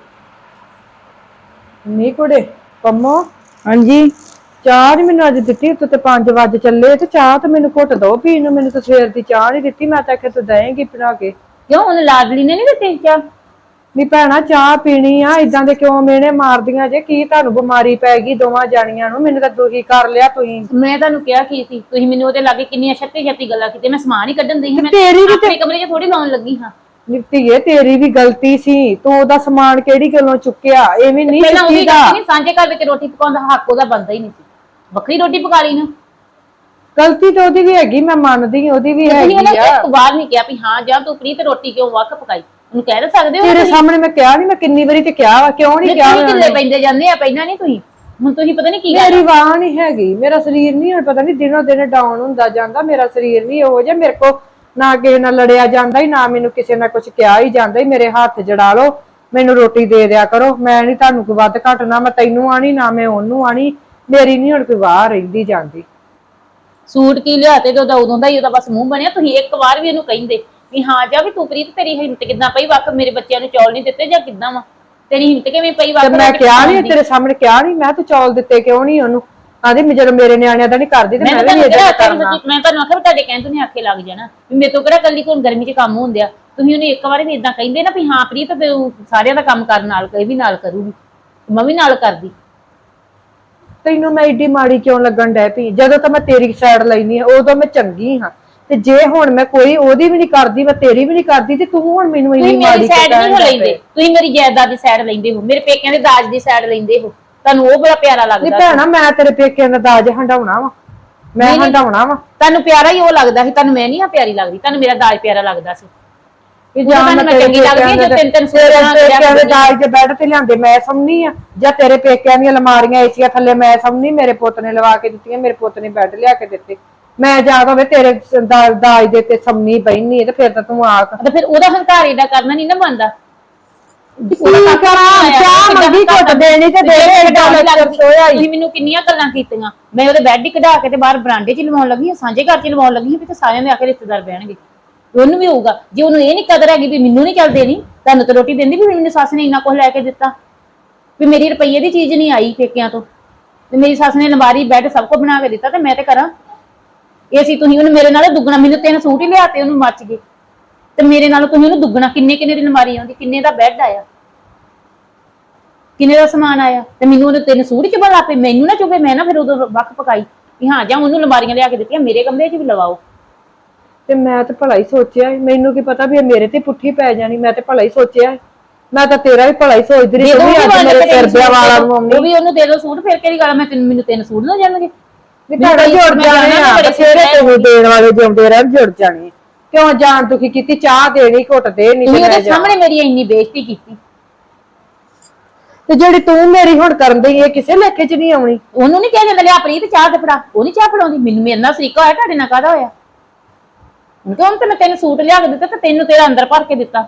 [SPEAKER 4] ਨਹੀਂ ਕੁੜੇ ਪੰਮੋ, ਹਾਂਜੀ ਚਾਹ ਨੀ ਮੈਨੂੰ ਅੱਜ ਦਿੱਤੀ, ਉੱਤੇ ਤੇ ਪੰਜ ਵਜ ਚੱਲੇ ਤੇ ਚਾਹ ਤੇ ਮੈਨੂੰ ਘੁੱਟ ਦੋ ਪੀਣ ਨੂੰ। ਮੈਨੂੰ ਤਾਂ ਸਵੇਰ ਦੀ ਚਾਹ ਨਹੀਂ ਦਿੱਤੀ, ਮੈਂ ਤਾਂ ਆਖਿਆ ਤੂੰ ਦੇਂਗੀ ਬਣਾ ਕੇ।
[SPEAKER 1] ਕਿਉਂ? ਉਹਨੇ ਲਾਡਲੀ ਨੇ ਨਹੀਂ ਦਿੱਤੀ ਚਾਹ?
[SPEAKER 4] ਨੀ ਭੈਣਾ ਚਾਹ ਪੀਣੀ ਆ, ਇਦਾਂ ਦੇ ਕਿਉਂ ਮੇਨੇ ਮਾਰਦੀਆਂ ਜੇ? ਕੀ ਤੁਹਾਨੂੰ ਬਿਮਾਰੀ ਪੈ ਗਈ ਦੋਵਾਂ ਜਾਣੀਆਂ ਨੂੰ? ਮੈਨੂੰ ਤਾਂ ਦੁਖੀ ਕਰ ਲਿਆ ਤੁਸੀਂ।
[SPEAKER 1] ਮੈਂ ਤੁਹਾਨੂੰ ਕਿਹਾ ਕੀ ਸੀ, ਤੁਸੀਂ ਮੈਨੂੰ ਉਹਦੇ ਲਾਗੇ ਕਿੰਨੀਆਂ ਛੱਤੀ ਛੱਤੀ ਗੱਲਾਂ ਕੀਤੀਆਂ। ਮੈਂ ਸਮਾਨ ਹੀ ਕੱਢਣ ਦੀ ਸੀ, ਮੈਂ
[SPEAKER 4] ਤੇਰੀ ਵੀ
[SPEAKER 1] ਆਪਣੇ ਕਮਰੇ 'ਚ ਥੋੜੀ ਲਾਉਣ ਲੱਗੀ ਹਾਂ।
[SPEAKER 4] ਨਿੱਤੀਏ ਤੇਰੀ ਵੀ ਗਲਤੀ ਸੀ, ਤੂੰ ਉਹਦਾ ਸਮਾਨ ਕਿਹੜੀ ਗੱਲੋਂ ਚੁੱਕਿਆ? ਐਵੇਂ ਨਹੀਂ
[SPEAKER 1] ਪਹਿਲਾਂ ਉਹਦੀ
[SPEAKER 4] ਚੁੱਕੀਦਾ।
[SPEAKER 1] ਗਲਤੀ ਨਹੀਂ, ਸਾਂਝੇ ਘਰ ਵਿੱਚ ਰੋਟੀ ਪਕਾਉਣ ਦਾ ਹੱਕ ਉਹਦਾ ਬਣਦਾ ਹੀ ਨਹੀਂ ਸੀ। ਵੱਖਰੀ ਰੋਟੀ ਪਕਾ ਲਈ ਨਾ।
[SPEAKER 4] ਗਲਤੀ ਤਾਂ ਉਹਦੀ ਵੀ ਹੈਗੀ, ਮੈਂ ਮੰਨਦੀ ਉਹਦੀ ਵੀ
[SPEAKER 1] ਤੁਸੀਂ
[SPEAKER 4] ਹੈਗੀ
[SPEAKER 1] ਉਹਨੇ
[SPEAKER 4] ਆ।
[SPEAKER 1] ਇੱਕ ਵਾਰ ਨਹੀਂ ਕਿਹਾ ਵੀ ਹਾਂ ਜਾਂ ਤੂੰ ਪ੍ਰੀਤ ਰੋਟੀ ਕਿਉਂ ਵੱਖ ਪਕਾਈ? ਉਹਨੂੰ ਕਹਿ ਤਾਂ ਸਕਦੇ ਹੋ।
[SPEAKER 4] ਤੇਰੇ ਸਾਹਮਣੇ ਮੈਂ ਕਿਹਾ ਨਹੀਂ, ਮੈਂ ਕਿੰਨੀ ਵਾਰੀ ਤੇ ਕਿਹਾ ਵਾ, ਕਿਉਂ ਨਹੀਂ ਕਿਹਾ?
[SPEAKER 1] ਢਿੱਲੇ ਪੈਂਦੇ ਜਾਂਦੇ ਆ ਪਹਿਲਾਂ ਨਹੀਂ ਤੁਸੀਂ, ਹੁਣ ਤੁਸੀਂ ਪਤਾ ਨਹੀਂ ਕੀ ਗੱਲ।
[SPEAKER 4] ਮੇਰੀ ਵਾਹ ਨਹੀਂ ਹੈਗੀ, ਮੇਰਾ ਸਰੀਰ ਨਹੀਂ ਹੁਣ ਪਤਾ ਨਹੀਂ ਦਿਨੋਂ ਦਿਨ ਡਾਊਨ ਹੁੰਦਾ ਜਾਂਦਾ। ਮੇਰਾ ਸਰੀਰ ਨਹੀਂ ਇਹੋ ਜਿਹਾ, ਮੇਰੇ ਕੋ ਨਾ ਕਿਸੇ ਨਾਲ ਲੜਿਆ ਜਾਂਦਾ ਹੀ, ਨਾ ਮੈਨੂੰ ਕਿਸੇ ਨਾਲ ਕੁਝ ਕਿਹਾ ਹੀ ਜਾਂਦਾ ਹੀ। ਮੇਰੇ ਹੱਥ ਜੜਾ ਲਓ, ਮੈਨੂੰ ਰੋਟੀ ਦੇ ਦਿਆ ਕਰੋ। ਮੈਂ ਨਹੀਂ ਤੁਹਾਨੂੰ ਕੋਈ ਵੱਧ ਘੱਟ, ਨਾ ਮੈਂ ਤੈਨੂੰ ਆਣੀ ਨਾ ਮੈਂ ਉਹਨੂੰ ਆਣੀ। ਮੇਰੀ ਨਹੀਂ ਹੁਣ ਕੋਈ ਵਾਹ ਰਹਿੰਦੀ ਜਾਂਦੀ।
[SPEAKER 1] ਸੂਟ ਕੀ ਲਿਆ ਤੇ ਉਹਦਾ ਉਦੋਂ ਦਾ ਹੀ ਉਹਦਾ ਬਸ ਮੂੰਹ ਬਣਿਆ। ਤੁਸੀਂ ਇੱਕ ਵਾਰ ਵੀ ਉਹਨੂੰ ਕਹਿੰਦੇ ਵੀ ਹਾਂ ਜਾ ਵੀ ਤੂੰ ਪ੍ਰੀਤ ਤੇਰੀ ਹਿੰਮਤ ਕਿੱਦਾਂ ਪਈ ਵੱਖ ਮੇਰੇ ਬੱਚਿਆਂ ਨੂੰ ਚੌਲ ਨਹੀਂ ਦਿੱਤੇ ਜਾਂ ਕਿੱਦਾਂ ਵਾ ਤੇਰੀ ਹਿੰਮਤ ਕਿਵੇਂ ਪਈ ਵੱਖ?
[SPEAKER 4] ਮੈਂ ਕਿਹਾ ਨਹੀਂ ਤੇਰੇ ਸਾਹਮਣੇ, ਕਿਹਾ ਨਹੀਂ ਮੈਂ ਤੂੰ ਚੌਲ ਦਿੱਤੇ ਕਿਉਂ ਨਹੀਂ ਉਹਨੂੰ? ਆਂਦੀ ਮੈਂ ਜਦੋਂ ਮੇਰੇ ਨਿਆਣਿਆਂ ਦਾ ਨਹੀਂ ਕਰਦੀ ਤੇ ਮੈਂ ਵੀ ਇਹ ਕਰਨਾ।
[SPEAKER 1] ਮੈਂ ਤੁਹਾਨੂੰ ਆਖਿਆ ਤੁਹਾਡੇ ਕਹਿੰਦੇ ਨੇ ਆਖੇ ਲੱਗ ਜਾਣਾ ਵੀ ਮੇਰੇ ਤੋਂ ਕਿਹੜਾ ਕੱਲੀ ਕੋਲ ਗਰਮੀ 'ਚ ਕੰਮ ਹੁੰਦਿਆ। ਤੁਸੀਂ ਉਹਨੂੰ ਇੱਕ ਵਾਰ ਵੀ ਇਦਾਂ ਕਹਿੰਦੇ ਨਾ ਵੀ ਹਾਂ ਪ੍ਰੀਤ ਸਾਰਿਆਂ ਦਾ ਕੰਮ ਕਰਨ ਨਾਲ ਕਹੇ ਵੀ ਨਾਲ ਕਰੂਗੀ, ਮੈਂ ਵੀ ਨਾਲ ਕਰਦੀ।
[SPEAKER 4] ਤੈਨੂੰ ਮੈਂ ਏਡੀ ਮਾੜੀ ਕਿਉਂ ਲੱਗਣ ਡੈ ਪਈ? ਜਦੋਂ ਤਾਂ ਮੈਂ ਤੇਰੀ ਸਾਈਡ ਲੈਣੀ ਆ ਉਦੋਂ ਮੈਂ ਚੰਗੀ ਹਾਂ, ਤੇ ਜੇ ਹੁਣ ਮੈਂ ਕੋਈ ਉਹਦੀ ਵੀ ਨਹੀਂ ਕਰਦੀ, ਮੈਂ ਤੇਰੀ ਵੀ ਨਹੀਂ ਕਰਦੀ, ਤੇ ਤੂੰ ਹੁਣ ਮੈਨੂੰ ਇੰਨੀ ਮਾੜੀ
[SPEAKER 1] ਸਾਈਡ ਨਹੀਂ ਹੋ ਲੈਂਦੇ। ਤੁਸੀਂ ਮੇਰੀ ਜਾਇਦਾਦ ਦੀ ਸਾਈਡ ਲੈਂਦੇ ਹੋ, ਮੇਰੇ ਪੇਕਿਆਂ ਦੇ ਦਾਜ ਦੀ ਸਾਈਡ ਲੈਂਦੇ ਹੋ। ਤੁਹਾਨੂੰ ਉਹ ਬੜਾ ਪਿਆਰਾ ਲੱਗਦਾ।
[SPEAKER 4] ਨਹੀਂ ਭੈਣਾ ਮੈਂ ਤੇਰੇ ਪੇਕਿਆਂ ਦਾ ਦਾਜ ਹੰਡਾਉਣਾ ਵਾ, ਮੈਂ ਹੰਡਾਉਣਾ ਵਾ।
[SPEAKER 1] ਤੁਹਾਨੂੰ ਪਿਆਰਾ ਹੀ ਉਹ ਲੱਗਦਾ ਸੀ, ਤੁਹਾਨੂੰ ਮੈਂ ਨਹੀਂ ਆ ਪਿਆਰੀ ਲੱਗਦੀ, ਤੁਹਾਨੂੰ ਮੇਰਾ ਦਾਜ ਪਿਆਰਾ ਲੱਗਦਾ ਸੀ।
[SPEAKER 4] ਜਾਂ
[SPEAKER 1] ਮੈਂ ਚੰਗੀ ਲੱਗਦੀ ਜੋ ਤਿੰਨ ਤਿੰਨ
[SPEAKER 4] ਪੇਕਿਆਂ ਦੇ ਦਾਜ ਦੇ ਬੈੱਡ ਤੇ ਲਿਆਂਦੇ ਮੈਂ ਸਮਝੀ ਆ, ਜਾਂ ਤੇਰੇ ਪੇਕਿਆਂ ਦੀਆਂ ਅਲਮਾਰੀਆਂ ਏਸੀਆਂ ਥੱਲੇ ਮੈਂ ਸਮਝੀ ਮੇਰੇ ਪੁੱਤ ਨੇ ਲਵਾ ਕੇ ਦਿੱਤੀਆਂ, ਮੇਰੇ ਪੁੱਤ ਨੇ ਬੈੱਡ ਲਿਆ ਕੇ ਦਿੱਤੇ। ਮੈਂ ਜਾਗ ਹੋਵੇ ਤੇਰੇ ਦਾਜ ਦੇ ਤੇ ਸਮਨੀ ਬੈਣੀ ਤੇ ਫਿਰ ਤਾਂ ਤੂੰ ਆਖ
[SPEAKER 1] ਤੇ ਫਿਰ ਉਹਦਾ ਹੰਕਾਰ ਏਡਾ ਕਰਨਾ ਨਹੀਂ ਨਾ ਬਣਦਾ।
[SPEAKER 4] ਚਾਹ ਮੰਗੀ ਘੁੱਟ ਦੇਣੀ ਤੇ ਦੇ
[SPEAKER 1] ਤੁਸੀਂ ਮੈਨੂੰ ਕਿੰਨੀਆਂ ਗੱਲਾਂ ਕੀਤੀਆਂ। ਮੈਂ ਉਹਦੇ ਬੈੱਡ ਹੀ ਕਢਾ ਕੇ ਤੇ ਬਾਹਰ ਬਰਾਂਡੇ 'ਚ ਲਵਾਉਣ ਲੱਗੀ, ਸਾਂਝੇ ਘਰ 'ਚ ਲਵਾਉਣ ਲੱਗੀ ਵੀ ਤੇ ਸਾਰਿਆਂ ਦੇ ਆ ਕੇ ਰਿਸ਼ਤੇਦਾਰ ਬਹਿਣਗੇ। ਉਹਨੂੰ ਵੀ ਹੋਊਗਾ ਜੇ ਉਹਨੂੰ ਇਹ ਨੀ ਕਦਰ ਹੈਗੀ ਵੀ ਮੈਨੂੰ ਨੀ ਚੱਲ ਦੇਣੀ, ਤੁਹਾਨੂੰ ਤਾਂ ਰੋਟੀ ਦਿੰਦੀ ਵੀ ਮੈਨੂੰ ਸੱਸ ਨੇ ਇੰਨਾ ਕੁਝ ਲੈ ਕੇ ਦਿੱਤਾ ਵੀ ਮੇਰੀ ਰੁਪਈਏ ਦੀ ਚੀਜ਼ ਨਹੀਂ ਆਈ ਪੇਕਿਆਂ ਤੋਂ, ਤੇ ਮੇਰੀ ਸੱਸ ਨੇ ਅਲਮਾਰੀ ਬੈੱਡ ਸਭ ਕੁਝ ਬਣਾ ਕੇ ਦਿੱਤਾ ਤੇ ਮੈਂ ਤੇ ਕਰਾਂ ਇਹ ਸੀ। ਤੁਸੀਂ ਉਹਨੂੰ ਮੇਰੇ ਨਾਲ ਦੁੱਗਣਾ, ਮੈਨੂੰ ਤਿੰਨ ਸੂਟ ਹੀ ਲਿਆਤੇ ਉਹਨੂੰ ਮੱਚ ਗਏ, ਤੇ ਮੇਰੇ ਨਾਲ ਤੁਸੀਂ ਉਹਨੂੰ ਦੁੱਗਣਾ ਕਿੰਨੇ ਕਿੰਨੇ ਦੀ ਅਲਮਾਰੀ ਆਉਂਦੀ, ਕਿੰਨੇ ਦਾ ਬੈੱਡ ਆਇਆ, ਕਿੰਨੇ ਦਾ ਸਮਾਨ ਆਇਆ, ਤੇ ਮੈਨੂੰ ਉਹਨੇ ਤਿੰਨ ਸੂਟ ਚ ਬਣਾ ਪਏ। ਮੈਨੂੰ ਨਾ ਚੁੱਕੇ, ਮੈਂ ਨਾ ਫਿਰ ਉਦੋਂ ਵੱਖ ਪਕਾਈ ਵੀ ਹਾਂ ਜਾਂ ਉਹਨੂੰ ਅਲਮਾਰੀਆਂ ਲਿਆ ਕੇ ਦਿੱਤੀਆਂ ਮੇਰੇ ਕਮਰੇ 'ਚ ਵੀ ਲਵਾਓ।
[SPEAKER 4] ਤੇ ਮੈਂ ਤਾਂ ਭਲਾ ਹੀ ਸੋਚਿਆ, ਮੈਨੂੰ ਕੀ ਪਤਾ ਵੀ ਮੇਰੇ ਤੇ ਪੁੱਠੀ ਪੈ ਜਾਣੀ। ਮੈਂ ਤੇ ਭਲਾ ਹੀ ਸੋਚਿਆ, ਮੈਂ ਤਾਂ ਤੇਰਾ ਵੀ ਭਲਾ ਹੀ ਸੋਚਦੀ ਰਹੀ।
[SPEAKER 1] ਉਹ ਵੀ ਉਹਨੂੰ ਦੇ ਦੋ ਸੂਟ, ਫਿਰ ਕਿਹੜੀ ਗੱਲ ਮੈਂ ਮੈਨੂੰ ਤਿੰਨ ਸੂਟ ਨਾ ਜਾਣਗੇ।
[SPEAKER 4] ਨਹੀਂ ਤੁਹਾਡੇ ਜੁੜ ਜਾਣੇ ਆ ਬਥੇਰੇ ਤੈਨੂੰ ਦੇਣ ਵਾਲੇ ਜਿਉਂਦੇ ਰਹਿਣ ਜੁੜ ਜਾਣੇ ਕਿਉਂ ਜਾਣ ਦੁਖੀ ਕੀਤੀ ਚਾਹ ਦੇਣੀ ਘੁੱਟ ਦੇ ਨਹੀਂ
[SPEAKER 1] ਤੁਸੀਂ ਉਹਦੇ ਸਾਹਮਣੇ ਮੇਰੀ ਇੰਨੀ ਬੇਇੱਜ਼ਤੀ ਕੀਤੀ।
[SPEAKER 4] ਤੇ ਜਿਹੜੀ ਤੂੰ ਮੇਰੀ ਹੁਣ ਕਰਨ ਦੀ ਇਹ ਕਿਸੇ ਲੇਖੇ 'ਚ ਨਹੀਂ ਆਉਣੀ।
[SPEAKER 1] ਉਹਨੂੰ ਨਹੀਂ ਕਿਹਾ ਜਾਂਦਾ ਲਿਆ ਪ੍ਰੀਤ ਚਾਹ ਤੇ ਫੜਾ, ਉਹ ਨਹੀਂ ਚਾਹ ਫੜਾਉਂਦੀ। ਮੈਨੂੰ ਮੇਰੇ ਨਾਲ ਸਰੀਕਾ ਹੋਇਆ, ਤੁਹਾਡੇ ਨਾਲ ਕਾਹਦਾ ਹੋਇਆ? ਕਿਉਂ ਤੇ ਮੈਂ ਤੈਨੂੰ ਸੂਟ ਲਿਆ ਕੇ ਦਿੱਤਾ ਤੇ ਤੈਨੂੰ ਤੇਰਾ ਅੰਦਰ ਭਰ ਕੇ ਦਿੱਤਾ।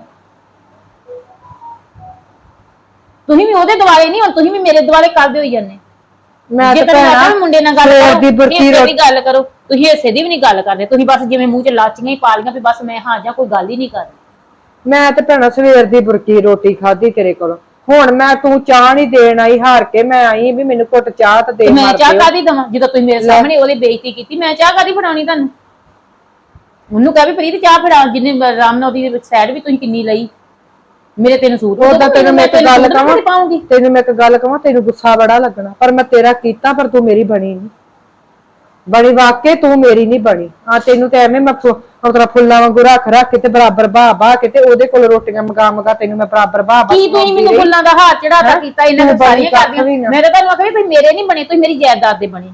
[SPEAKER 1] ਤੁਸੀਂ ਵੀ ਉਹਦੇ ਦੁਆਲੇ ਨਹੀਂ, ਹੁਣ ਤੁਸੀਂ ਵੀ ਮੇਰੇ ਦੁਆਲੇ ਕਰਦੇ ਹੋਈ ਜਾਂਦੇ।
[SPEAKER 4] ਮੈਂ
[SPEAKER 1] ਜੇ
[SPEAKER 4] ਤਾਂ
[SPEAKER 1] ਤੈਨੂੰ ਮੁੰਡੇ ਨਾਲ ਗੱਲ
[SPEAKER 4] ਸਵੇਰ
[SPEAKER 1] ਕਰੋ
[SPEAKER 4] ਦੀ ਬੁਰਕੀ
[SPEAKER 1] ਹਿੱਸੇ ਦੀ ਗੱਲ ਕਰੋ, ਤੁਸੀਂ ਹਿੱਸੇ ਦੀ ਵੀ ਨਹੀਂ ਗੱਲ ਕਰਦੇ। ਤੁਸੀਂ ਬਸ ਜਿਵੇਂ ਮੂੰਹ 'ਚ ਲਾਚੀਆਂ ਹੀ ਪਾ ਲਈਆਂ ਵੀ ਬਸ ਮੈਂ ਹਾਂ ਜਾਂ ਕੋਈ ਗੱਲ ਹੀ ਨਹੀਂ ਕਰਦੀ।
[SPEAKER 4] ਮੈਂ ਤੇ ਭੈਣਾ ਸਵੇਰ ਦੀ ਬੁਰਕੀ ਰੋਟੀ ਖਾਧੀ ਤੇਰੇ ਕੋਲੋਂ। ਹੁਣ ਮੈਂ ਤੂੰ ਚਾਹ ਨਹੀਂ ਦੇਣ ਆਈ, ਹਾਰ ਕੇ ਮੈਂ ਆਈ ਵੀ ਮੈਨੂੰ ਘੁੱਟ ਚਾਹ ਤੇ ਦੇ।
[SPEAKER 1] ਮੈਂ ਚਾਹ ਕਾਦੀ ਦਵਾਂ ਜਦੋਂ ਤੁਸੀਂ ਮੇਰੇ ਸਾਹਮਣੇ ਉਹਦੀ ਬੇਇੱਜ਼ਤੀ ਕੀਤੀ? ਮੈਂ ਚਾਹ ਕਾਦੀ ਫੜਾਉਣੀ ਤੁਹਾਨੂੰ? ਉਹਨੂੰ ਕਹਿ ਵੀ ਪ੍ਰੀਤ ਚਾਹ ਫੜਾ, ਜਿੰਨੇ ਆਰਾਮ ਨਾਲ ਉਹਦੀ ਸਾਈਡ ਵੀ ਤੁਸੀਂ ਕਿੰਨੀ ਲਈ। ਮੇਰੇ ਤੈਨੂੰ ਸੂਟ
[SPEAKER 4] ਉਹਦਾ ਤੈਨੂੰ ਮੈਂ ਇੱਕ ਗੱਲ ਕਹਾਂ,
[SPEAKER 1] ਪਾਉਂਗੀ
[SPEAKER 4] ਤੈਨੂੰ ਮੈਂ ਇੱਕ ਗੱਲ ਕਹਾਂ, ਤੈਨੂੰ ਗੁੱਸਾ ਬੜਾ ਲੱਗਣਾ ਪਰ ਮੈਂ ਤੇਰਾ ਕੀਤਾ, ਪਰ ਤੂੰ ਮੇਰੀ ਬਣੀ ਨਹੀਂ। ਬਣੀ ਵਾਕੇ ਤੂੰ ਮੇਰੀ ਨਹੀਂ ਬਣੀ। ਹਾਂ ਤੈਨੂੰ ਤੇ ਐਵੇਂ ਮੈਂ ਮਤਲਬ ਫੁੱਲਾਂ ਵਾਂਗੂ ਰੱਖ ਰੱਖ ਕੇ ਤੇ ਬਰਾਬਰ ਬਾਹ ਬਾਹ ਕੇ ਤੇ ਉਹਦੇ ਕੋਲ ਰੋਟੀਆਂ ਮੰਗਾ ਮੰਗਾ ਤੈਨੂੰ ਮੈਂ ਬਰਾਬਰ ਬਾਹ ਬਾਹ
[SPEAKER 1] ਕੀ ਤੁਸੀਂ ਮੈਨੂੰ ਫੁੱਲਾਂ ਦਾ ਹਾਰ ਚੜਾਤਾ ਕੀਤਾ ਇਹਨਾਂ ਨੇ ਸਾਰੀਆਂ ਕਰਦੀਆਂ। ਮੈਂ ਤਾਂ ਤੁਹਾਨੂੰ ਆਖਿਆ ਵੀ ਮੇਰੇ ਨਹੀਂ ਬਣੇ, ਤੁਸੀਂ ਮੇਰੀ ਜਾਇਦਾਦ ਦੇ ਬਣੇ।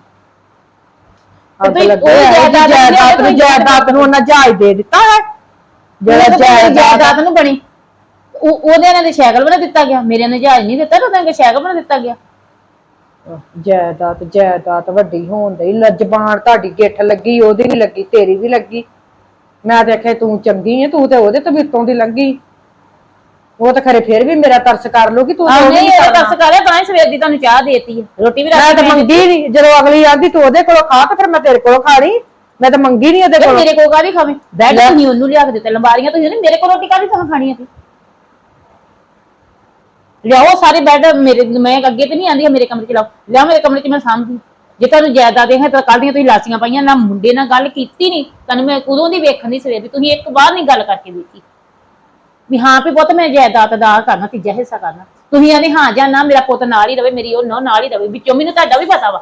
[SPEAKER 4] ਜਾਇਦਾਦ ਨੂੰ ਜਾਇਦਾਦ ਨੂੰ ਉਹਨਾਂ ਜਹਾਜ਼ ਦੇ ਦਿੱਤਾ ਹੈ ਜਿਹੜਾ
[SPEAKER 1] ਜਾਇਦਾਦ ਨੂੰ ਬਣੀ। ਉਹਦੇ ਨਾਲ ਸਾਈਕਲ ਬਣਾ ਦਿੱਤਾ ਗਿਆ, ਮੇਰੇ ਨੇ ਜਹਾਜ਼ ਨਹੀਂ ਦਿੱਤਾ, ਉਹਦੇ ਨਾਲ ਸਾਈਕਲ ਬਣਾ ਦਿੱਤਾ ਗਿਆ।
[SPEAKER 4] ਜਾਇਦਾਦ ਜਾਇਦਾਦ ਵੱਡੀ ਹੋਣ ਦੀ ਜ਼ਬਾਨ ਤੁਹਾਡੀ ਗਿੱਠ ਲੱਗੀ, ਉਹਦੀ ਵੀ ਲੱਗੀ, ਤੇਰੀ ਵੀ ਲੱਗੀ। ਮੈਂ ਤੇ ਆਖਿਆ ਤੂੰ ਚੰਗੀ ਹੈ, ਤੂੰ ਤੇ ਉਹਦੇ ਤੋਂ ਵੀ ਉੱਤੋਂ ਦੀ ਲੰਘੀ। ਉਹ ਤਾਂ ਖਰੇ ਫਿਰ ਵੀ ਮੇਰਾ ਤਰਸ ਕਰ ਲੂਗੀ। ਤੂੰ
[SPEAKER 1] ਨਹੀਂ ਤਰਸ ਕਰਿਆ ਤਾਂ ਸਵੇਰ ਦੀ ਤੁਹਾਨੂੰ ਚਾਹ ਦੇਤੀ ਹੈ, ਰੋਟੀ ਵੀ
[SPEAKER 4] ਮੈਂ ਤਾਂ ਮੰਗੀ ਨਹੀਂ। ਜਦੋਂ ਅਗਲੀ ਆਂਦੀ ਤੂੰ ਉਹਦੇ ਕੋਲੋਂ ਖਾ ਤੇ ਫਿਰ ਮੈਂ ਤੇਰੇ ਕੋਲੋਂ ਖਾਣੀ। ਮੈਂ ਤਾਂ ਮੰਗੀ ਨਹੀਂ ਉਹਦੇ ਕੋਲੋਂ।
[SPEAKER 1] ਮੇਰੇ ਕੋਲ ਕਾਹਦੀ ਖਾਵੇਂ? ਬੈੱਡ ਤੁਸੀਂ ਉਹਨੂੰ ਲਿਆ ਕੇ ਦਿੱਤੇ, ਲੰਬਾਰੀਆਂ ਤੁਸੀਂ ਉਹਨੇ, ਮੇਰੇ ਕੋਲ ਰੋਟੀ ਕਾਹਦੀ ਤਾਂ ਖਾਣੀ ਸੀ? ਲਿਆਓ ਸਾਰੇ ਬੈੱਡ ਮੇਰੇ, ਮੈਂ ਅੱਗੇ ਤੇ ਨਹੀਂ ਆਂਦੀ ਮੇਰੇ ਕਮਰੇ 'ਚ ਲਾਓ, ਲਿਆਓ ਮੇਰੇ ਕਮਰੇ 'ਚ ਮੈਂ ਸਾਂਭਦੀ। ਜੇ ਤੁਹਾਨੂੰ ਜਾਇਦਾਦ ਦੇ ਹੈ ਤਾਂ ਕੱਲ ਦੀਆਂ ਤੁਸੀਂ ਲਾਸੀਆਂ ਪਾਈਆਂ, ਨਾ ਮੁੰਡੇ ਨਾਲ ਗੱਲ ਕੀਤੀ ਨਹੀਂ। ਤੁਹਾਨੂੰ ਮੈਂ ਉਦੋਂ ਦੀ ਵੇਖਣ ਦੀ ਸਵੇਰ ਦੀ, ਤੁਸੀਂ ਇੱਕ ਵਾਰ ਨਹੀਂ ਗੱਲ ਕਰਕੇ ਵੇਖੀ ਵੀ ਹਾਂ ਵੀ ਪੁੱਤ ਮੈਂ ਜਾਇਦਾਦ ਦਾ ਕਰਨਾ, ਤੀਜਾ ਹਿੱਸਾ ਕਰਨਾ। ਤੁਸੀਂ ਆਂਦੇ ਹਾਂ ਜਾਂ ਨਾ ਮੇਰਾ ਪੁੱਤ ਨਾਲ ਹੀ ਰਵੇ, ਮੇਰੀ ਉਹ ਨਹੁੰ ਨਾਲ ਹੀ ਰਵੇ। ਵਿੱਚੋਂ ਮੈਨੂੰ ਤੁਹਾਡਾ ਵੀ ਪਤਾ ਵਾ।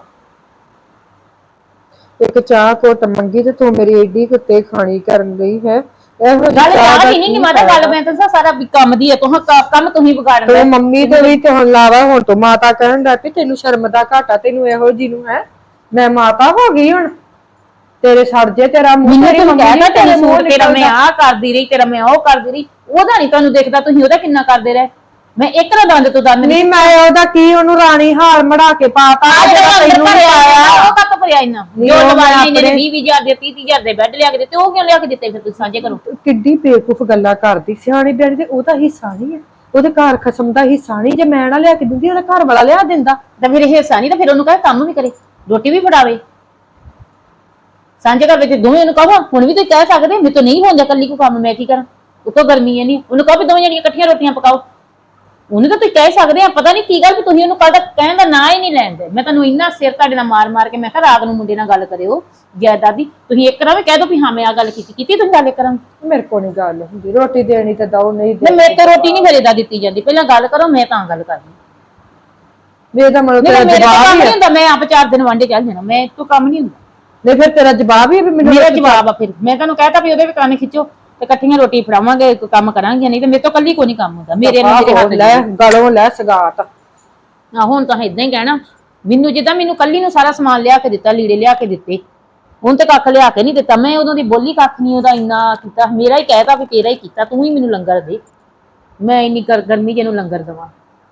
[SPEAKER 4] ਇੱਕ ਚਾਹ ਘੁੱਟ ਮੰਗੀ ਤੇ ਤੂੰ ਮੇਰੀ ਏਡੀ ਕੁੱਤੇ ਖਾਣੀ ਕਰਨ ਗਈ ਹੈ।
[SPEAKER 1] ਗੱਲ ਚਾਹ ਦੀ ਨਹੀਂ ਮਾਤਾ, ਗੱਲ ਮੈਂ ਤਾਂ ਸਾਰਾ ਕੰਮ ਦੀ ਹੈ। ਤੁਹਾਂ ਕੰਮ ਤੁਸੀਂ ਵਿਗਾੜਨਾ।
[SPEAKER 4] ਤੂੰ ਮੰਮੀ ਤੇ ਵੀ ਤੇ ਹੁਣ ਲਾਵਾ, ਹੁਣ ਤੂੰ ਮਾਤਾ ਕਹਿਣ ਲੱਗ ਪਈ ਤੈਨੂੰ ਸ਼ਰਮ ਦਾ ਘਾਟਾ, ਤੈਨੂੰ ਇਹੋ ਜੀ ਨੂੰ ਹੈ। ਮੈਂ ਮਾਤਾ ਹੋ ਗਈ ਹੁਣ, ਤੇਰੇ ਸੜ ਜੇ ਤੇਰਾ ਮੂੰਹ।
[SPEAKER 1] ਤੇਰੇ ਮੂੰਹ ਤੇਰਾ ਮੈਂ ਆਹ ਕਰਦੀ ਰਹੀ, ਤੇਰਾ ਮੈਂ ਉਹ ਕਰਦੀ ਰਹੀ। ਉਹਦਾ ਨਹੀਂ ਤੁਹਾਨੂੰ ਦੇਖਦਾ, ਤੁਸੀਂ ਉਹਦਾ ਕਿੰਨਾ ਕਰਦੇ ਰਹੇ। ਮੈਂ ਇੱਕ ਨਾ ਦੰਦ ਤੋਂ ਦੰਦ
[SPEAKER 4] ਨਹੀਂ, ਮੈਂ ਉਹਦਾ ਕੀ ਉਹਨੂੰ ਰਾਣੀ ਹਾਰ ਮੜਾ ਕੇ ਪਾਤਾ
[SPEAKER 1] ਤੈਨੂੰ ਆਇਆ। ਉਹ ਕੱਕ ਭਰਿਆ ਇੰਨਾ ਜੋ ਲਵਾਈ ਨੇ ਵੀਹ ਵੀਹ ਹਜ਼ਾਰ ਦੇ ਤੀਹ ਤੀਹ ਹਜ਼ਾਰ ਦੇ ਬੈੱਡ ਲਿਆ ਕੇ ਦਿੱਤੇ, ਉਹ ਕਿਉਂ ਲਿਆ ਕੇ ਦਿੱਤੇ? ਫਿਰ ਤੁਸੀਂ ਸਾਂਝੇ ਕਰੋ।
[SPEAKER 4] ਕਿੱਡੀ ਬੇਵਕੂਫ ਗੱਲਾਂ ਕਰਦੀ। ਸਿਆਣੀ ਬਿਆਣੀ ਤੇ ਉਹਦਾ ਹਿੱਸਾ ਨਹੀਂ ਹੈ, ਉਹਦੇ ਘਰ ਖਸਮ ਦਾ ਹਿੱਸਾ ਨਹੀਂ। ਜੇ ਮੈਂ ਨਾ ਲਿਆ ਕੇ ਦਿੰਦੀ, ਉਹਦਾ ਘਰ ਵਾਲਾ ਲਿਆ ਦਿੰਦਾ।
[SPEAKER 1] ਤਾਂ ਫਿਰ ਹਿੱਸਾ ਨਹੀਂ ਤਾਂ ਫਿਰ ਉਹਨੂੰ ਕਹੇ ਕੰਮ ਵੀ ਕਰੇ, ਰੋਟੀ ਵੀ ਫੜਾਵੇ। ਸਾਂਝੇ ਘਰ ਵਿੱਚ ਦੋਵੇਂ ਨੂੰ ਕਹੋ। ਹੁਣ ਵੀ ਤੁਸੀਂ ਕਹਿ ਸਕਦੇ ਮੇਰੇ ਤੋਂ ਨਹੀਂ ਹੁੰਦਾ ਕੱਲੀ ਕੋ ਕੰਮ, ਮੈਂ ਕੀ ਕਰਾਂ? ਉੱਤੋਂ ਗਰਮੀ ਹੈ ਨਹੀਂ, ਉਹਨੂੰ ਕਹੋ ਵੀ ਦੋਵੇਂ ਜਣੀਆਂ ਇਕੱਠੀਆਂ ਰੋਟੀਆਂ ਪਕਾਓ। ਉਹਨੂੰ ਤਾਂ ਤੁਸੀਂ ਕਹਿ ਸਕਦੇ ਆ। ਪਤਾ ਨਹੀਂ ਕੀ ਗੱਲ ਵੀ ਤੁਸੀਂ ਉਹਨੂੰ ਕੱਲ ਤੱਕ ਕਹਿਣ ਦਾ ਨਾਂ ਹੀ ਨਹੀਂ ਲੈਂਦੇ। ਮੈਂ ਤੁਹਾਨੂੰ ਇੰਨਾ ਸਿਰ ਤੁਹਾਡੇ ਨਾਲ ਮਾਰ ਮਾਰ ਕੇ ਮੈਂ ਕਿਹਾ ਰਾਤ ਨੂੰ ਮੁੰਡੇ ਨਾਲ ਗੱਲ ਕਰਿਓ ਜਾਇਦਾਦ ਦੀ। ਤੁਸੀਂ ਇੱਕ ਵਾਰ ਵੀ ਕਹਿ ਦੋ ਵੀ ਹਾਂ ਮੈਂ ਆ ਗੱਲ ਕੀਤੀ ਕੀਤੀ ਤੁਸੀਂ ਗੱਲ ਕਰਾਂ।
[SPEAKER 4] ਮੇਰੇ ਕੋਲ ਨਹੀਂ ਗੱਲ ਹੁੰਦੀ, ਰੋਟੀ ਦੇਣੀ ਤਾਂ ਦਓ, ਨਹੀਂ
[SPEAKER 1] ਮੈਂ ਮੇਰੇ ਤੋਂ ਰੋਟੀ ਨਹੀਂ ਫੇਰੇਦਾ ਦਿੱਤੀ ਜਾਂਦੀ। ਪਹਿਲਾਂ ਗੱਲ ਕਰੋ, ਮੈਂ ਤਾਂ ਗੱਲ ਕਰਨੀ।
[SPEAKER 4] ਮੇਰਾ ਮਤਲਬ ਤੇਰਾ
[SPEAKER 1] ਮੇਰੇ
[SPEAKER 4] ਜਵਾਬ
[SPEAKER 1] ਕੰਮ
[SPEAKER 4] ਹੀ
[SPEAKER 1] ਨਹੀਂ ਹੁੰਦਾ, ਮੈਂ ਆਪ ਚਾਰ ਦਿਨ ਵਾਂਡੇ ਚੱਲ ਜਾਣਾ, ਮੈਂ ਤੋਂ ਕੰਮ ਨਹੀਂ ਹੁੰਦਾ।
[SPEAKER 4] ਨਹੀਂ ਫਿਰ ਤੇਰਾ ਜਵਾਬ ਹੀ ਵੀ ਮੈਨੂੰ
[SPEAKER 1] ਮੇਰਾ ਜਵਾਬ ਆ। ਫਿਰ ਮੈਂ ਤੁਹਾਨੂੰ ਕਹਿਤਾ ਵੀ ਉਹਦੇ ਵੀ ਕੰਨ ਖਿੱਚੋ ਤੇ ਇਕੱਠੀਆਂ ਰੋਟੀ ਫੜਾਵਾਂਗੇ, ਕੰਮ ਕਰਾਂਗੇ। ਨਹੀਂ ਤੇ ਮੇਰੇ ਤੋਂ ਕੱਲੀ ਕੋਈ ਨਹੀਂ ਕੰਮ ਹੁੰਦਾ। ਮੇਰੇ ਮੇਰੇ ਹੱਥ
[SPEAKER 4] ਲੈ ਗਲੋਂ ਲੈ ਸਗਾਤ।
[SPEAKER 1] ਆ ਹੁਣ ਤਾਂ ਇਦਾਂ ਹੀ ਕਹਿਣਾ ਮੈਨੂੰ, ਜਿੱਦਾਂ ਮੈਨੂੰ ਕੱਲੀ ਨੂੰ ਸਾਰਾ ਸਮਾਨ ਲਿਆ ਕੇ ਦਿੱਤਾ, ਲੀੜੇ ਲਿਆ ਕੇ ਦਿੱਤੇ, ਹੁਣ ਤੇ ਕੱਖ ਲਿਆ ਕੇ ਨਹੀਂ ਦਿੱਤਾ। ਮੈਂ ਉਦੋਂ ਦੀ ਬੋਲੀ ਕੱਖ ਨਹੀਂ ਉਹਦਾ ਇੰਨਾ ਕੀਤਾ। ਮੇਰਾ ਹੀ ਕਹਿਤਾ ਵੀ ਤੇਰਾ ਹੀ ਕੀਤਾ, ਤੂੰ ਹੀ ਮੈਨੂੰ ਲੰਗਰ ਦੇ। ਮੈਂ ਇੰਨੀ ਗਰਮੀ ਜਿਹਨੂੰ ਲੰਗਰ ਦੇਵਾਂ।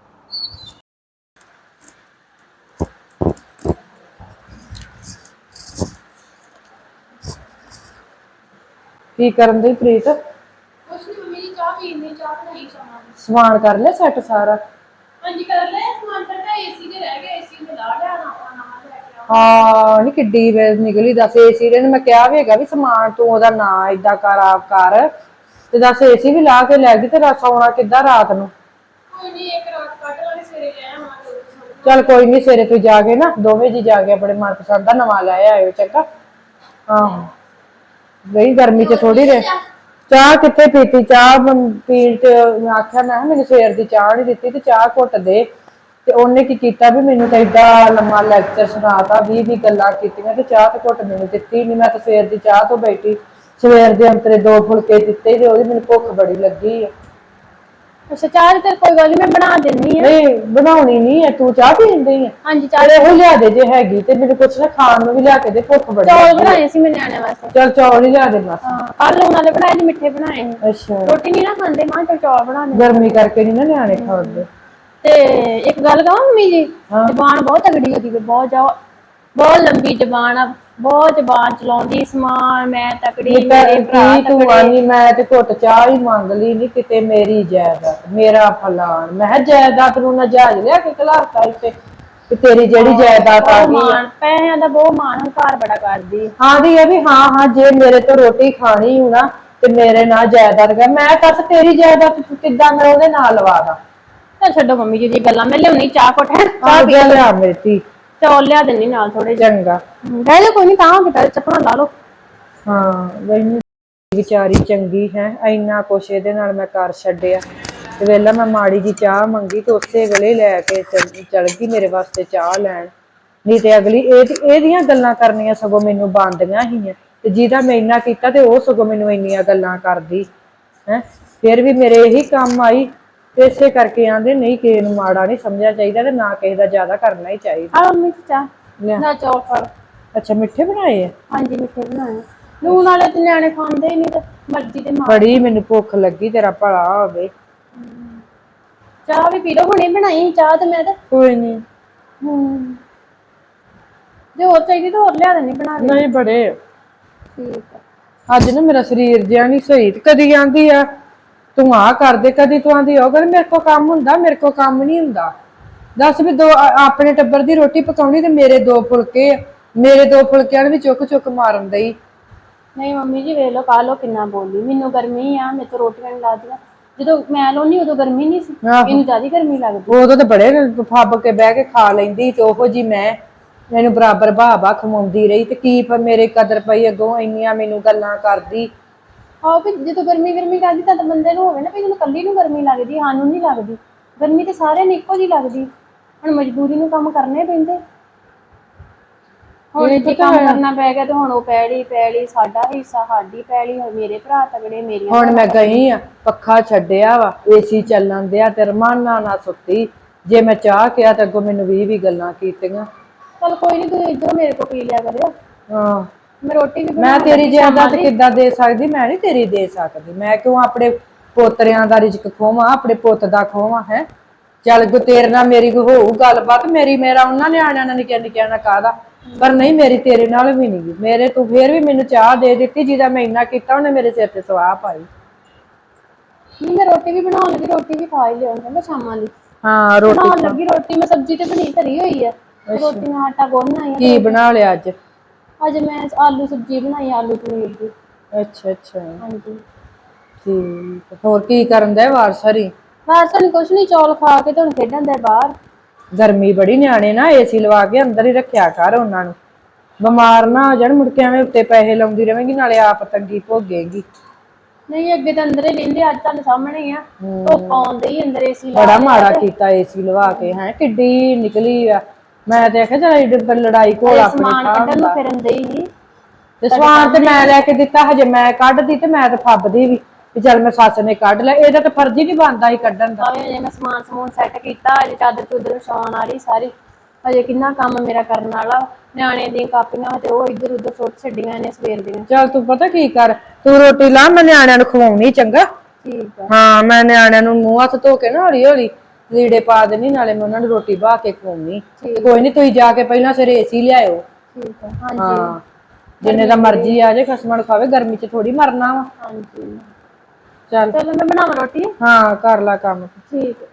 [SPEAKER 4] ਕੀ ਕਰਨ ਦੀ ਪ੍ਰੀਤ?
[SPEAKER 2] ਕੁਛ ਨਹੀਂ ਮੰਮੀ ਜੀ, ਚਾਹ ਪੀਣੀ, ਚਾਹ ਬਣਾਈ ਸਮਾਨ।
[SPEAKER 4] ਸਮਾਨ ਕਰ ਲੈ ਸੈੱਟ ਸਾਰਾ?
[SPEAKER 2] ਹਾਂਜੀ ਕਰ ਲੈ ਸਮਾਨ। ਫਿਰ ਤਾਂ ਏਸੀ ਦੇ ਰਹਿ ਗਏ, ਏਸੀ ਨੂੰ ਲਾ ਲਿਆ ਨਾ, ਆਪਾਂ ਨਾਲ ਲੈ ਕੇ ਆਵਾਂ।
[SPEAKER 4] ਹਾਂ ਨਹੀਂ ਕਿੱਡੀ ਵੇਰ ਨਿਕਲੀ। ਦੱਸ ਏਸੀ ਨੇ ਮੈਂ ਕਿਹਾ ਵੀ ਹੈਗਾ ਵੀ ਸਮਾਨ ਤੂੰ ਉਹਦਾ ਨਾਂ ਏਦਾਂ ਕਰ ਆਪ ਕਰ ਤੇ ਦੱਸ ਏਸੀ ਵੀ ਲਾ ਕੇ ਲੈ ਗਈ ਤੇ ਸੌਣਾ ਕਿੱਦਾਂ ਰਾਤ ਨੂੰ?
[SPEAKER 2] ਕੋਈ ਨਹੀਂ, ਇੱਕ ਰਾਤ ਕੱਟ ਲਾਂਗੇ, ਸਵੇਰੇ ਲੈ ਆਵਾਂਗੇ।
[SPEAKER 4] ਚੱਲ ਕੋਈ ਨਹੀਂ, ਸਵੇਰੇ ਤੂੰ ਜਾ ਕੇ ਨਾ ਦੋਵੇਂ ਜੀ ਜਾ ਕੇ ਆਪਣੇ ਮਨਪਸੰਦ ਦਾ ਨਵਾਂ ਲੈ ਆਇਓ। ਚੰਗਾ? ਆਹੋ ਗਈ ਗਰਮੀ ਚ ਥੋੜੀ ਰਹਿ। ਚਾਹ ਕਿੱਥੇ ਪੀਤੀ? ਚਾਹ ਪੀਣ ਚ ਮੈਂ ਆਖਿਆ ਮੈਂ ਮੈਨੂੰ ਸਵੇਰ ਦੀ ਚਾਹ ਨਹੀਂ ਦਿੱਤੀ ਤੇ ਚਾਹ ਘੁੱਟ ਦੇ। ਤੇ ਉਹਨੇ ਕੀ ਕੀਤਾ ਵੀ ਮੈਨੂੰ ਤਾਂ ਏਡਾ ਲੰਮਾ ਲੈਕਚਰ ਸੁਣਾਤਾ, ਵੀਹ ਵੀਹ ਗੱਲਾਂ ਕੀਤੀਆਂ ਤੇ ਚਾਹ ਤੇ ਘੁੱਟ ਮੈਨੂੰ ਦਿੱਤੀ ਨਹੀਂ। ਮੈਂ ਤਾਂ ਸਵੇਰ ਦੀ ਚਾਹ ਤੋਂ ਬੈਠੀ, ਸਵੇਰ ਦੇ ਅੰਤਰੇ ਦੋ ਫੁਲਕੇ ਦਿੱਤੇ ਤੇ ਉਹਦੀ ਮੈਨੂੰ ਭੁੱਖ ਬੜੀ ਲੱਗੀ ਆ।
[SPEAKER 2] ਅੱਛਾ ਚਾਹ ਤੇ ਕੋਈ ਗੱਲ ਨੀ ਮੈਂ ਬਣਾ ਦਿੰਨੀ ਆ।
[SPEAKER 4] ਨਹੀਂ ਬਣਾਉਣੀ ਨਹੀਂ ਹੈ, ਤੂੰ ਚਾਹ ਪੀਂਦੀ ਹੈ?
[SPEAKER 2] ਹਾਂਜੀ ਚਾਹ
[SPEAKER 4] ਚਲ ਇਹੋ ਲਿਆ ਦੇ ਜੇ ਹੈਗੀ ਤੇ ਮੈਨੂੰ ਕੁਛ ਨਾ ਖਾਣ ਨੂੰ ਵੀ ਲਿਆ ਕੇ ਦੇ, ਭੁੱਖ ਬੜੀ
[SPEAKER 2] ਚੌਲ
[SPEAKER 4] ਲੱਗੀ
[SPEAKER 2] ਬਣਾਏ ਸੀ ਮੈਂ ਨਿਆਣਿਆਂ ਵਾਸਤੇ।
[SPEAKER 4] ਚਲ ਚੌਲ ਹੀ ਲਿਆ ਦੇ ਬਸ।
[SPEAKER 2] ਹਾਂ ਕੱਲ ਲੂਣ ਵਾਲੇ ਬਣਾਏ ਸੀ, ਮਿੱਠੇ ਬਣਾਏ ਸੀ।
[SPEAKER 4] ਅੱਛਾ
[SPEAKER 2] ਰੋਟੀ ਨਹੀਂ ਨਾ ਖਾਂਦੇ, ਮਾਂ ਚਲ ਚੌਲ ਬਣਾ ਦੇ।
[SPEAKER 4] ਗਰਮੀ ਕਰਕੇ ਨਹੀਂ ਨਾ ਨਿਆਣੇ ਖਾਂਦੇ।
[SPEAKER 2] ਤੇ ਇੱਕ ਗੱਲ ਕਹਾਂ ਮੰਮੀ ਜੀ,
[SPEAKER 4] ਹਾਂ
[SPEAKER 2] ਜ਼ਬਾਨ ਬਹੁਤ ਤਗੜੀ ਉਹਦੀ, ਬਹੁਤ ਜ਼ਿਆਦਾ ਬਹੁਤ ਲੰਬੀ ਜ਼ਬਾਨ ਆ, ਬਹੁਤ ਜ਼ਬਾਨ ਚਲਾਉਂਦੀ, ਸਮਾਨ ਮੈਂ ਤਕੜੀ ਮੇਰੇ ਭਰਾ
[SPEAKER 4] ਕੀ ਤੂੰ
[SPEAKER 2] ਤਕੜੇ।
[SPEAKER 4] ਆਨੀ, ਮੈਂ ਤੇ ਘੁੱਟ ਚਾਹ ਹੀ ਮੰਗ ਲਈ, ਨੀ ਕਿਤੇ ਮੇਰੀ ਜਾਇਦਾਦ ਮੇਰਾ ਫਲਾਣ। ਮੈਂ ਕਿਹਾ ਜਾਇਦਾਦ ਨੂੰ ਨਾ ਜਹਾਜ਼ ਲਿਆ ਕੇ ਘਲਾਤਾ ਇੱਥੇ ਕਿ ਤੇਰੀ ਜਿਹੜੀ ਜਾਇਦਾਦ ਆ
[SPEAKER 2] ਬਹੁਤ
[SPEAKER 4] ਗਈ ਆ।
[SPEAKER 2] ਮਾਣ, ਪੈਸਿਆਂ ਦਾ ਬਹੁਤ ਮਾਣ, ਹੰਕਾਰ ਬੜਾ ਕਰਦੀ।
[SPEAKER 4] ਆਂਦੀ ਆ ਵੀ ਹਾਂ ਹਾਂ ਜੇ ਮੇਰੇ ਤੋਂ ਰੋਟੀ ਖਾਣੀ ਹੋ ਨਾ ਤੇ ਮੇਰੇ ਨਾਲ ਜਾਇਦਾਦ ਕਰ। ਮੈਂ ਦੱਸ ਤੇਰੀ ਜਾਇਦਾਦ ਕਿੱਦਾਂ ਮੈਂ ਉਹਦੇ ਨਾਲ ਲਵਾ ਦਾਂ?
[SPEAKER 2] ਚੱਲ ਛੱਡੋ ਮੰਮੀ ਜੀ ਦੀ ਗੱਲਾਂ, ਮੈਂ ਲਿਆਉਣੀ ਚਾਹ ਘੁੱਟ ਹੈ,
[SPEAKER 4] ਆ
[SPEAKER 2] ਚਾਹ ਪੀ
[SPEAKER 4] ਜਾ
[SPEAKER 2] ਲਓ।
[SPEAKER 4] ਲਿਆ ਮੇਰੀ ਧੀ।
[SPEAKER 2] ਚੌਲ ਲਿਆ ਦਿੰਨੀ ਨਾਲ ਥੋੜੇ ਜਿਹੇ।
[SPEAKER 4] ਚੰਗਾ।
[SPEAKER 2] ਬਹਿ ਜਾ ਕੋਈ ਨੀ, ਤਾਂ ਬੇਟਾ ਚੱਪਲਾਂ ਲਾ ਲਓ।
[SPEAKER 4] ਹਾਂ ਵੈਨੂੰ ਵਿਚਾਰੀ ਚੰਗੀ ਹੈ, ਇੰਨਾ ਕੁਛ ਇਹਦੇ ਨਾਲ ਮੈਂ ਕਰ ਛੱਡਿਆ ਤੇ ਵੇਲਾ ਮੈਂ ਮਾੜੀ ਜੀ ਚਾਹ ਮੰਗੀ ਤੇ ਉਸੇ ਵੇਲੇ ਲੈ ਕੇ ਚਲ ਗਈ ਮੇਰੇ ਵਾਸਤੇ ਚਾਹ ਲੈਣ। ਨਹੀਂ ਤੇ ਅਗਲੀ ਇਹ ਇਹਦੀਆਂ ਗੱਲਾਂ ਕਰਨੀਆਂ ਸਗੋਂ ਮੈਨੂੰ ਬਣਦੀਆਂ ਸੀਆਂ, ਤੇ ਜਿਹਦਾ ਮੈਂ ਇੰਨਾ ਕੀਤਾ ਤੇ ਉਹ ਸਗੋਂ ਮੈਨੂੰ ਇੰਨੀਆਂ ਗੱਲਾਂ ਕਰਦੀ ਹੈ। ਫਿਰ ਵੀ ਮੇਰੇ ਇਹੀ ਕੰਮ ਆਈ ਤੇ ਇਸੇ ਕਰਕੇ ਆਂਦੇ ਨਹੀਂ ਕਿਸੇ ਨੂੰ ਮਾੜਾ ਨਹੀਂ ਸਮਝਣਾ ਚਾਹੀਦਾ ਤੇ ਨਾ ਕਿਸੇ ਦਾ ਜ਼ਿਆਦਾ ਕਰਨਾ ਹੀ ਚਾਹੀਦਾ।
[SPEAKER 2] ਆ ਮੰਮੀ ਚਾਹ
[SPEAKER 4] ਲਿਆ।
[SPEAKER 2] ਨਾ ਚੌਲ ਫੜ।
[SPEAKER 4] ਅੱਛਾ ਮਿੱਠੇ ਬਣਾਏ ਆ?
[SPEAKER 2] ਹਾਂਜੀ ਮਿੱਠੇ ਬਣਾਏ, ਲੂਣ ਵਾਲੇ ਤੇ ਨਿਆਣੇ ਖਾਂਦੇ ਹੀ ਨਹੀਂ, ਤੇ ਮਰਜ਼ੀ ਤੇ ਮਾਂ।
[SPEAKER 4] ਬੜੀ ਮੈਨੂੰ ਭੁੱਖ ਲੱਗੀ, ਤੇਰਾ ਭਲਾ ਹੋਵੇ।
[SPEAKER 2] ਚਾਹ ਵੀ ਪੀ ਲਓ, ਹੁਣੇ ਬਣਾਈ ਚਾਹ ਤੇ ਮੈਂ ਤੇ।
[SPEAKER 4] ਕੋਈ ਨੀ।
[SPEAKER 2] ਹੂੰ ਜੇ ਹੋਰ ਚਾਹੀਦੀ ਤਾਂ ਹੋਰ ਲਿਆ ਦੇਣੀ ਬਣਾ ਕੇ।
[SPEAKER 4] ਨਹੀਂ ਬੜੇ।
[SPEAKER 2] ਠੀਕ ਆ।
[SPEAKER 4] ਅੱਜ ਨਾ ਮੇਰਾ ਸਰੀਰ ਜਿਹਾ ਨਹੀਂ ਸਹੀ, ਤੇ ਕਦੀ ਆਂਦੀ ਆ ਤੂੰ ਆਹ ਕਰਦੇ, ਕਦੀ ਤੂੰ ਆਂਦੀ ਉਹ ਕਰ। ਮੇਰੇ ਕੋਲ ਕੰਮ ਹੁੰਦਾ, ਮੇਰੇ ਕੋਲ ਕੰਮ ਨੀ ਹੁੰਦਾ। ਦੱਸ ਵੀ ਦੋ ਆਪਣੇ ਟੱਬਰ ਦੀ ਰੋਟੀ ਪਕਾਉਣੀ ਤੇ ਮੇਰੇ ਦੋ ਫੁਲਕੇ ਆ, ਮੇਰੇ ਦੋ ਫੁਲਕਿਆਂ ਨੂੰ ਵੀ ਚੁੱਕ ਚੁੱਕ ਮਾਰਨ ਦਈ।
[SPEAKER 2] ਨਹੀਂ ਮੰਮੀ ਜੀ ਵੇਖ ਲੋ ਕਾਹ ਲੋ ਕਿੰਨਾ ਬੋਲੀ, ਮੈਨੂੰ ਗਰਮੀ ਆ, ਮੇਰੇ ਤੋਂ ਰੋਟੀਆਂ ਨੀ ਲਾਦੀਆਂ। ਜਦੋਂ ਮੈਂ ਲਾਉਣੀ ਉਦੋਂ ਗਰਮੀ ਨਹੀਂ ਸੀ,
[SPEAKER 4] ਆਹੋ
[SPEAKER 2] ਇਹਨੂੰ ਜ਼ਿਆਦਾ ਗਰਮੀ ਲੱਗਦੀ।
[SPEAKER 4] ਉਦੋਂ ਤਾਂ ਬੜੇ ਫੱਬ ਕੇ ਬਹਿ ਕੇ ਖਾ ਲੈਂਦੀ, ਤੇ ਉਹੋ ਜੀ ਮੈਂ ਮੈਨੂੰ ਬਰਾਬਰ ਭਾਹ-ਭਾਹ ਖਵਾਉਂਦੀ ਰਹੀ, ਤੇ ਕੀ ਮੇਰੇ ਕਦਰ ਪਈ ਅੱਗੋਂ ਇੰਨੀਆਂ ਮੈਨੂੰ ਗੱਲਾਂ ਕਰਦੀ।
[SPEAKER 2] ਆਹੋ ਵੀ ਜਦੋਂ ਗਰਮੀ ਗਰਮੀ ਕਰਦੀ ਤਾਂ ਬੰਦੇ ਨੂੰ ਹੋਵੇ ਨਾ ਵੀ ਮੈਨੂੰ ਕੱਲੀ ਨੂੰ ਗਰਮੀ ਲੱਗਦੀ, ਸਾਨੂੰ ਨੀ ਲੱਗਦੀ। ਗਰਮੀ ਤੇ ਸਾਰਿਆਂ ਨੂੰ ਇੱਕੋ ਜਿਹੀ ਲੱਗਦੀ, ਹੁਣ ਮਜਬੂਰੀ ਨੂੰ ਕੰਮ ਕਰਨੇ ਪੈਂਦੇ। ਹੁਣ
[SPEAKER 4] ਕੀ
[SPEAKER 2] ਜੇ
[SPEAKER 4] ਪਤਾ
[SPEAKER 2] ਕੰਮ
[SPEAKER 4] ਹੈ
[SPEAKER 2] ਕਰਨਾ ਪੈ ਗਿਆ ਤੇ ਹੁਣ ਉਹ ਪੈਲੀ ਪੈਲੀ ਸਾਡਾ ਹਿੱਸਾ, ਸਾਡੀ ਪੈਲੀ, ਹੁਣ ਮੇਰੇ ਭਰਾ ਤਗੜੇ, ਮੇਰੀਆਂ
[SPEAKER 4] ਹੁਣ
[SPEAKER 2] ਭੈਣਾਂ
[SPEAKER 4] ਮੈਂ
[SPEAKER 2] ਤਗੜੀਆਂ।
[SPEAKER 4] ਗਈ ਆ ਪੱਖਾ ਛੱਡਿਆ ਵਾ, ਏਸੀ ਚੱਲਣ ਦਿਆ ਤੇ ਰਮਾਨਾ ਨਾਲ ਸੁੱਤੀ। ਜੇ ਮੈਂ ਚਾਹ ਕਿਹਾ ਤੇ ਅੱਗੋਂ ਮੈਨੂੰ ਵੀਹ ਵੀਹ ਗੱਲਾਂ ਕੀਤੀਆਂ।
[SPEAKER 2] ਚੱਲ ਕੋਈ ਨੀ, ਤੁਸੀਂ ਇੱਧਰੋਂ ਮੇਰੇ ਕੋਲ ਪੀ ਲਿਆ ਕਰਿਓ।
[SPEAKER 4] ਹਾਂ
[SPEAKER 2] ਮੈਂ ਰੋਟੀ ਵੀ
[SPEAKER 4] ਮੈਂ
[SPEAKER 2] ਬਣਾਉਣ
[SPEAKER 4] ਤੇਰੀ
[SPEAKER 2] ਲੱਗੀ ਸ਼ਾਮਾਂ
[SPEAKER 4] ਜਾਇਦਾਦ
[SPEAKER 2] ਦੀ।
[SPEAKER 4] ਕਿੱਦਾਂ ਦੇ ਸਕਦੀ? ਮੈਂ ਨੀ ਤੇਰੀ ਦੇ ਸਕਦੀ। ਮੈਂ ਕਿਉਂ ਆਪਣੇ ਪੋਤਰਿਆਂ ਦਾ ਰਿਜ਼ਕ ਖੋਵਾਂ, ਆਪਣੇ ਪੁੱਤ ਦਾ ਖੋਵਾਂ ਹੈ। ਚੱਲ ਕੋ ਤੇਰੇ ਨਾਲ ਮੇਰੀ ਕੋਈ ਹੋਊ ਗੱਲਬਾਤ, ਮੇਰੀ ਮੇਰਾ ਉਹਨਾਂ ਨਿਆਣਿਆਂ ਨਾਲ ਨਿੱਕਿਆ ਨਿੱਕਿਆਂ ਨਾਲ ਕਾਹਦਾ, ਪਰ ਨਹੀਂ ਮੇਰੀ ਤੇਰੇ ਨਾਲ ਵੀ ਨੀ ਗੀ। ਮੇਰੇ ਤੂੰ ਫੇਰ ਵੀ ਮੈਨੂੰ ਚਾਹ ਦੇ ਦਿੱਤੀ, ਜਿਹਦਾ ਮੈਂ ਇੰਨਾ ਕੀਤਾ ਉਹਨੇ ਮੇਰੇ ਸਿਰ ਤੇ ਸਵਾਹ ਪਾਈ।
[SPEAKER 2] ਨਹੀਂ ਮੈਂ ਰੋਟੀ ਵੀ ਬਣਾਉਣ ਲੱਗੀ, ਰੋਟੀ ਵੀ ਖਾ ਹੀ ਲਿਓ ਕਹਿੰਦਾ ਸ਼ਾਮਾਂ ਦੀ।
[SPEAKER 4] ਹਾਂ ਰੋਟੀ
[SPEAKER 2] ਬਣਾਉਣ
[SPEAKER 4] ਖਾ।
[SPEAKER 2] ਲੱਗੀ ਰੋਟੀ, ਮੈਂ ਸਬਜ਼ੀ ਤੇ ਬਣੀ ਧਰੀ ਹੋਈ ਆ,
[SPEAKER 4] ਅੱਛਾ
[SPEAKER 2] ਰੋਟੀ ਮੈਂ ਆਟਾ ਗੁੰਨ ਆਈ ਆ ਤੇ
[SPEAKER 4] ਕੀ
[SPEAKER 2] ਰੋਟੀ।
[SPEAKER 4] ਬਣਾ ਲਿਆ ਅੱਜ?
[SPEAKER 2] ਅੱਜ ਮੈਂ ਆਲੂ ਸਬਜ਼ੀ ਬਣਾਈ, ਆਲੂ ਪਨੀਰ ਦੀ।
[SPEAKER 4] ਅੱਛਾ ਅੱਛਾ
[SPEAKER 2] ਹਾਂਜੀ
[SPEAKER 4] ਠੀਕ, ਹੋਰ ਕੀ ਕਰਨ ਡਿਆ ਵਾਰਸ ਹਰੀ?
[SPEAKER 2] ਵਾਰਸ ਹਣੀ ਕੁਛ ਨੀ, ਚੌਲ ਖਾ ਕੇ ਤੇ ਹੁਣ ਖੇਡਣ ਡਿਆ ਬਾਹਰ।
[SPEAKER 4] ਗਰਮੀ ਬੜੀ, ਨਿਆਣੇ ਨਾ ਏਸੀ ਲਵਾ ਕੇ ਅੰਦਰ ਹੀ ਰੱਖਿਆ ਕਰ ਉਹਨਾਂ ਨੂੰ। ਬਿਮਾਰ ਨਾ ਹੋ ਜਾਣ, ਮੁੜਕੇ ਐਵੇਂ ਉੱਤੇ ਪੈਸੇ ਲਾਉਂਦੀ ਰਵੇਂਗੀ, ਨਾਲੇ ਆਪ ਤੰਗੀ ਭੋਗੇਗੀ।
[SPEAKER 2] ਨਹੀਂ ਅੱਗੇ ਤਾਂ ਅੰਦਰ ਹੀ ਰਹਿੰਦੇ, ਅੱਜ ਤੁਹਾਡੇ ਸਾਹਮਣੇ ਹੀ ਆ, ਧੁੱਪ
[SPEAKER 4] ਹੂੰ
[SPEAKER 2] ਆਉਣ ਡਈ ਅੰਦਰ ਏਸੀ ਲਾ
[SPEAKER 4] ਬੜਾ
[SPEAKER 2] ਲਿਆ
[SPEAKER 4] ਮਾੜਾ
[SPEAKER 2] ਤੇ।
[SPEAKER 4] ਕੀਤਾ ਏਸੀ ਲਵਾ ਕੇ, ਹੈਂ ਕਿੱਡੀ ਨਿਕਲੀ ਆ। ਮੈਂ ਤੇ ਆਖਿਆ ਚੱਲ ਏਡੀ ਲੜਾਈ ਘੋਲ
[SPEAKER 2] ਹਜੇ
[SPEAKER 4] ਆਪਣੇ
[SPEAKER 2] ਸਮਾਨ
[SPEAKER 4] ਥਾਂ
[SPEAKER 2] ਕੱਢਣ ਨੂੰ
[SPEAKER 4] ਹੁੰਦਾ।
[SPEAKER 2] ਫਿਰਨ ਡਈ ਸੀ
[SPEAKER 4] ਤੇ
[SPEAKER 2] ਤੁਹਾਡੇ
[SPEAKER 4] ਸਮਾਨ ਤੇ
[SPEAKER 2] ਸਾਹਮਣੇ
[SPEAKER 4] ਮੈਂ
[SPEAKER 2] ਹੀ ਆ।
[SPEAKER 4] ਲੈ ਕੇ ਦਿੱਤਾ, ਹਜੇ ਮੈਂ ਕੱਢਦੀ ਤੇ ਮੈਂ ਤੇ ਫੱਬਦੀ ਵੀ ਵੀ ਚੱਲ ਮੈਂ ਸੱਸ ਨੇ ਕੱਢ ਲਿਆ, ਇਹਦਾ ਤਾਂ ਫਰਜ਼ ਹੀ ਨੀ ਬਣਦਾ ਸੀ ਕੱਢਣ ਦਾ।
[SPEAKER 2] ਹਜੇ ਮੈਂ ਸਮਾਨ ਸਮੂਨ ਸੈੱਟ ਕੀਤਾ, ਹਜੇ ਚਾਦਰ ਚੂਦਰ ਵਿਛਾਉਣ ਵਾਲੀ ਸਾਰੀ, ਹਜੇ ਕਿੰਨਾ ਕੰਮ ਮੇਰਾ ਕਰਨ ਵਾਲਾ। ਨਿਆਣੇ ਦੀਆਂ ਕਾਪੀਆਂ ਤੇ ਉਹ ਇੱਧਰ ਉਧਰ ਸੁੱਟ ਛੱਡੀਆਂ ਨੇ ਸਵੇਰ ਦੀਆਂ।
[SPEAKER 4] ਚੱਲ ਤੂੰ ਪਤਾ ਕੀ ਕਰ, ਤੂੰ ਰੋਟੀ ਲਾ, ਮੈਂ ਨਿਆਣਿਆਂ ਨੂੰ ਖਵਾਉਣੀ, ਚੰਗਾ।
[SPEAKER 2] ਠੀਕ ਆ।
[SPEAKER 4] ਹਾਂ ਮੈਂ ਨਿਆਣਿਆਂ ਨੂੰ ਮੂੰਹ ਹੱਥ ਧੋ ਕੇ ਨਾ ਹੌਲੀ ਹੌਲੀ ਲੀੜੇ ਪਾ ਦੇਣੀ, ਨਾਲੇ ਮੈਂ ਉਹਨਾਂ ਨੂੰ ਰੋਟੀ ਬਹਾ ਕੇ ਖਵਾਉਣੀ। ਤੇ
[SPEAKER 2] ਠੀਕ
[SPEAKER 4] ਕੋਈ
[SPEAKER 2] ਆ
[SPEAKER 4] ਨੀ ਤੁਸੀਂ ਜਾ ਕੇ ਪਹਿਲਾਂ ਸਵੇਰੇ ਏਸੀ ਲਿਆਇਓ।
[SPEAKER 2] ਠੀਕ ਆ ਹਾਂਜੀ।
[SPEAKER 4] ਹਾਂ ਜਿੰਨੇ
[SPEAKER 2] ਗਰਮੀ
[SPEAKER 4] ਦਾ
[SPEAKER 2] ਬੜੀ
[SPEAKER 4] ਮਰਜੀ ਆ ਜੇ, ਖਸਮਾਂ ਨੂੰ ਖਾਵੇ, ਗਰਮੀ ਚ ਥੋੜੀ ਮਰਨਾ ਵਾ।
[SPEAKER 2] ਹਾਂਜੀ
[SPEAKER 4] ਚੱਲ
[SPEAKER 2] ਚਲੋ ਮੈਂ ਬਣਾਵਾਂ ਰੋਟੀ।
[SPEAKER 4] ਹਾਂ ਕਰ ਲਾ ਕੰਮ।
[SPEAKER 2] ਠੀਕ।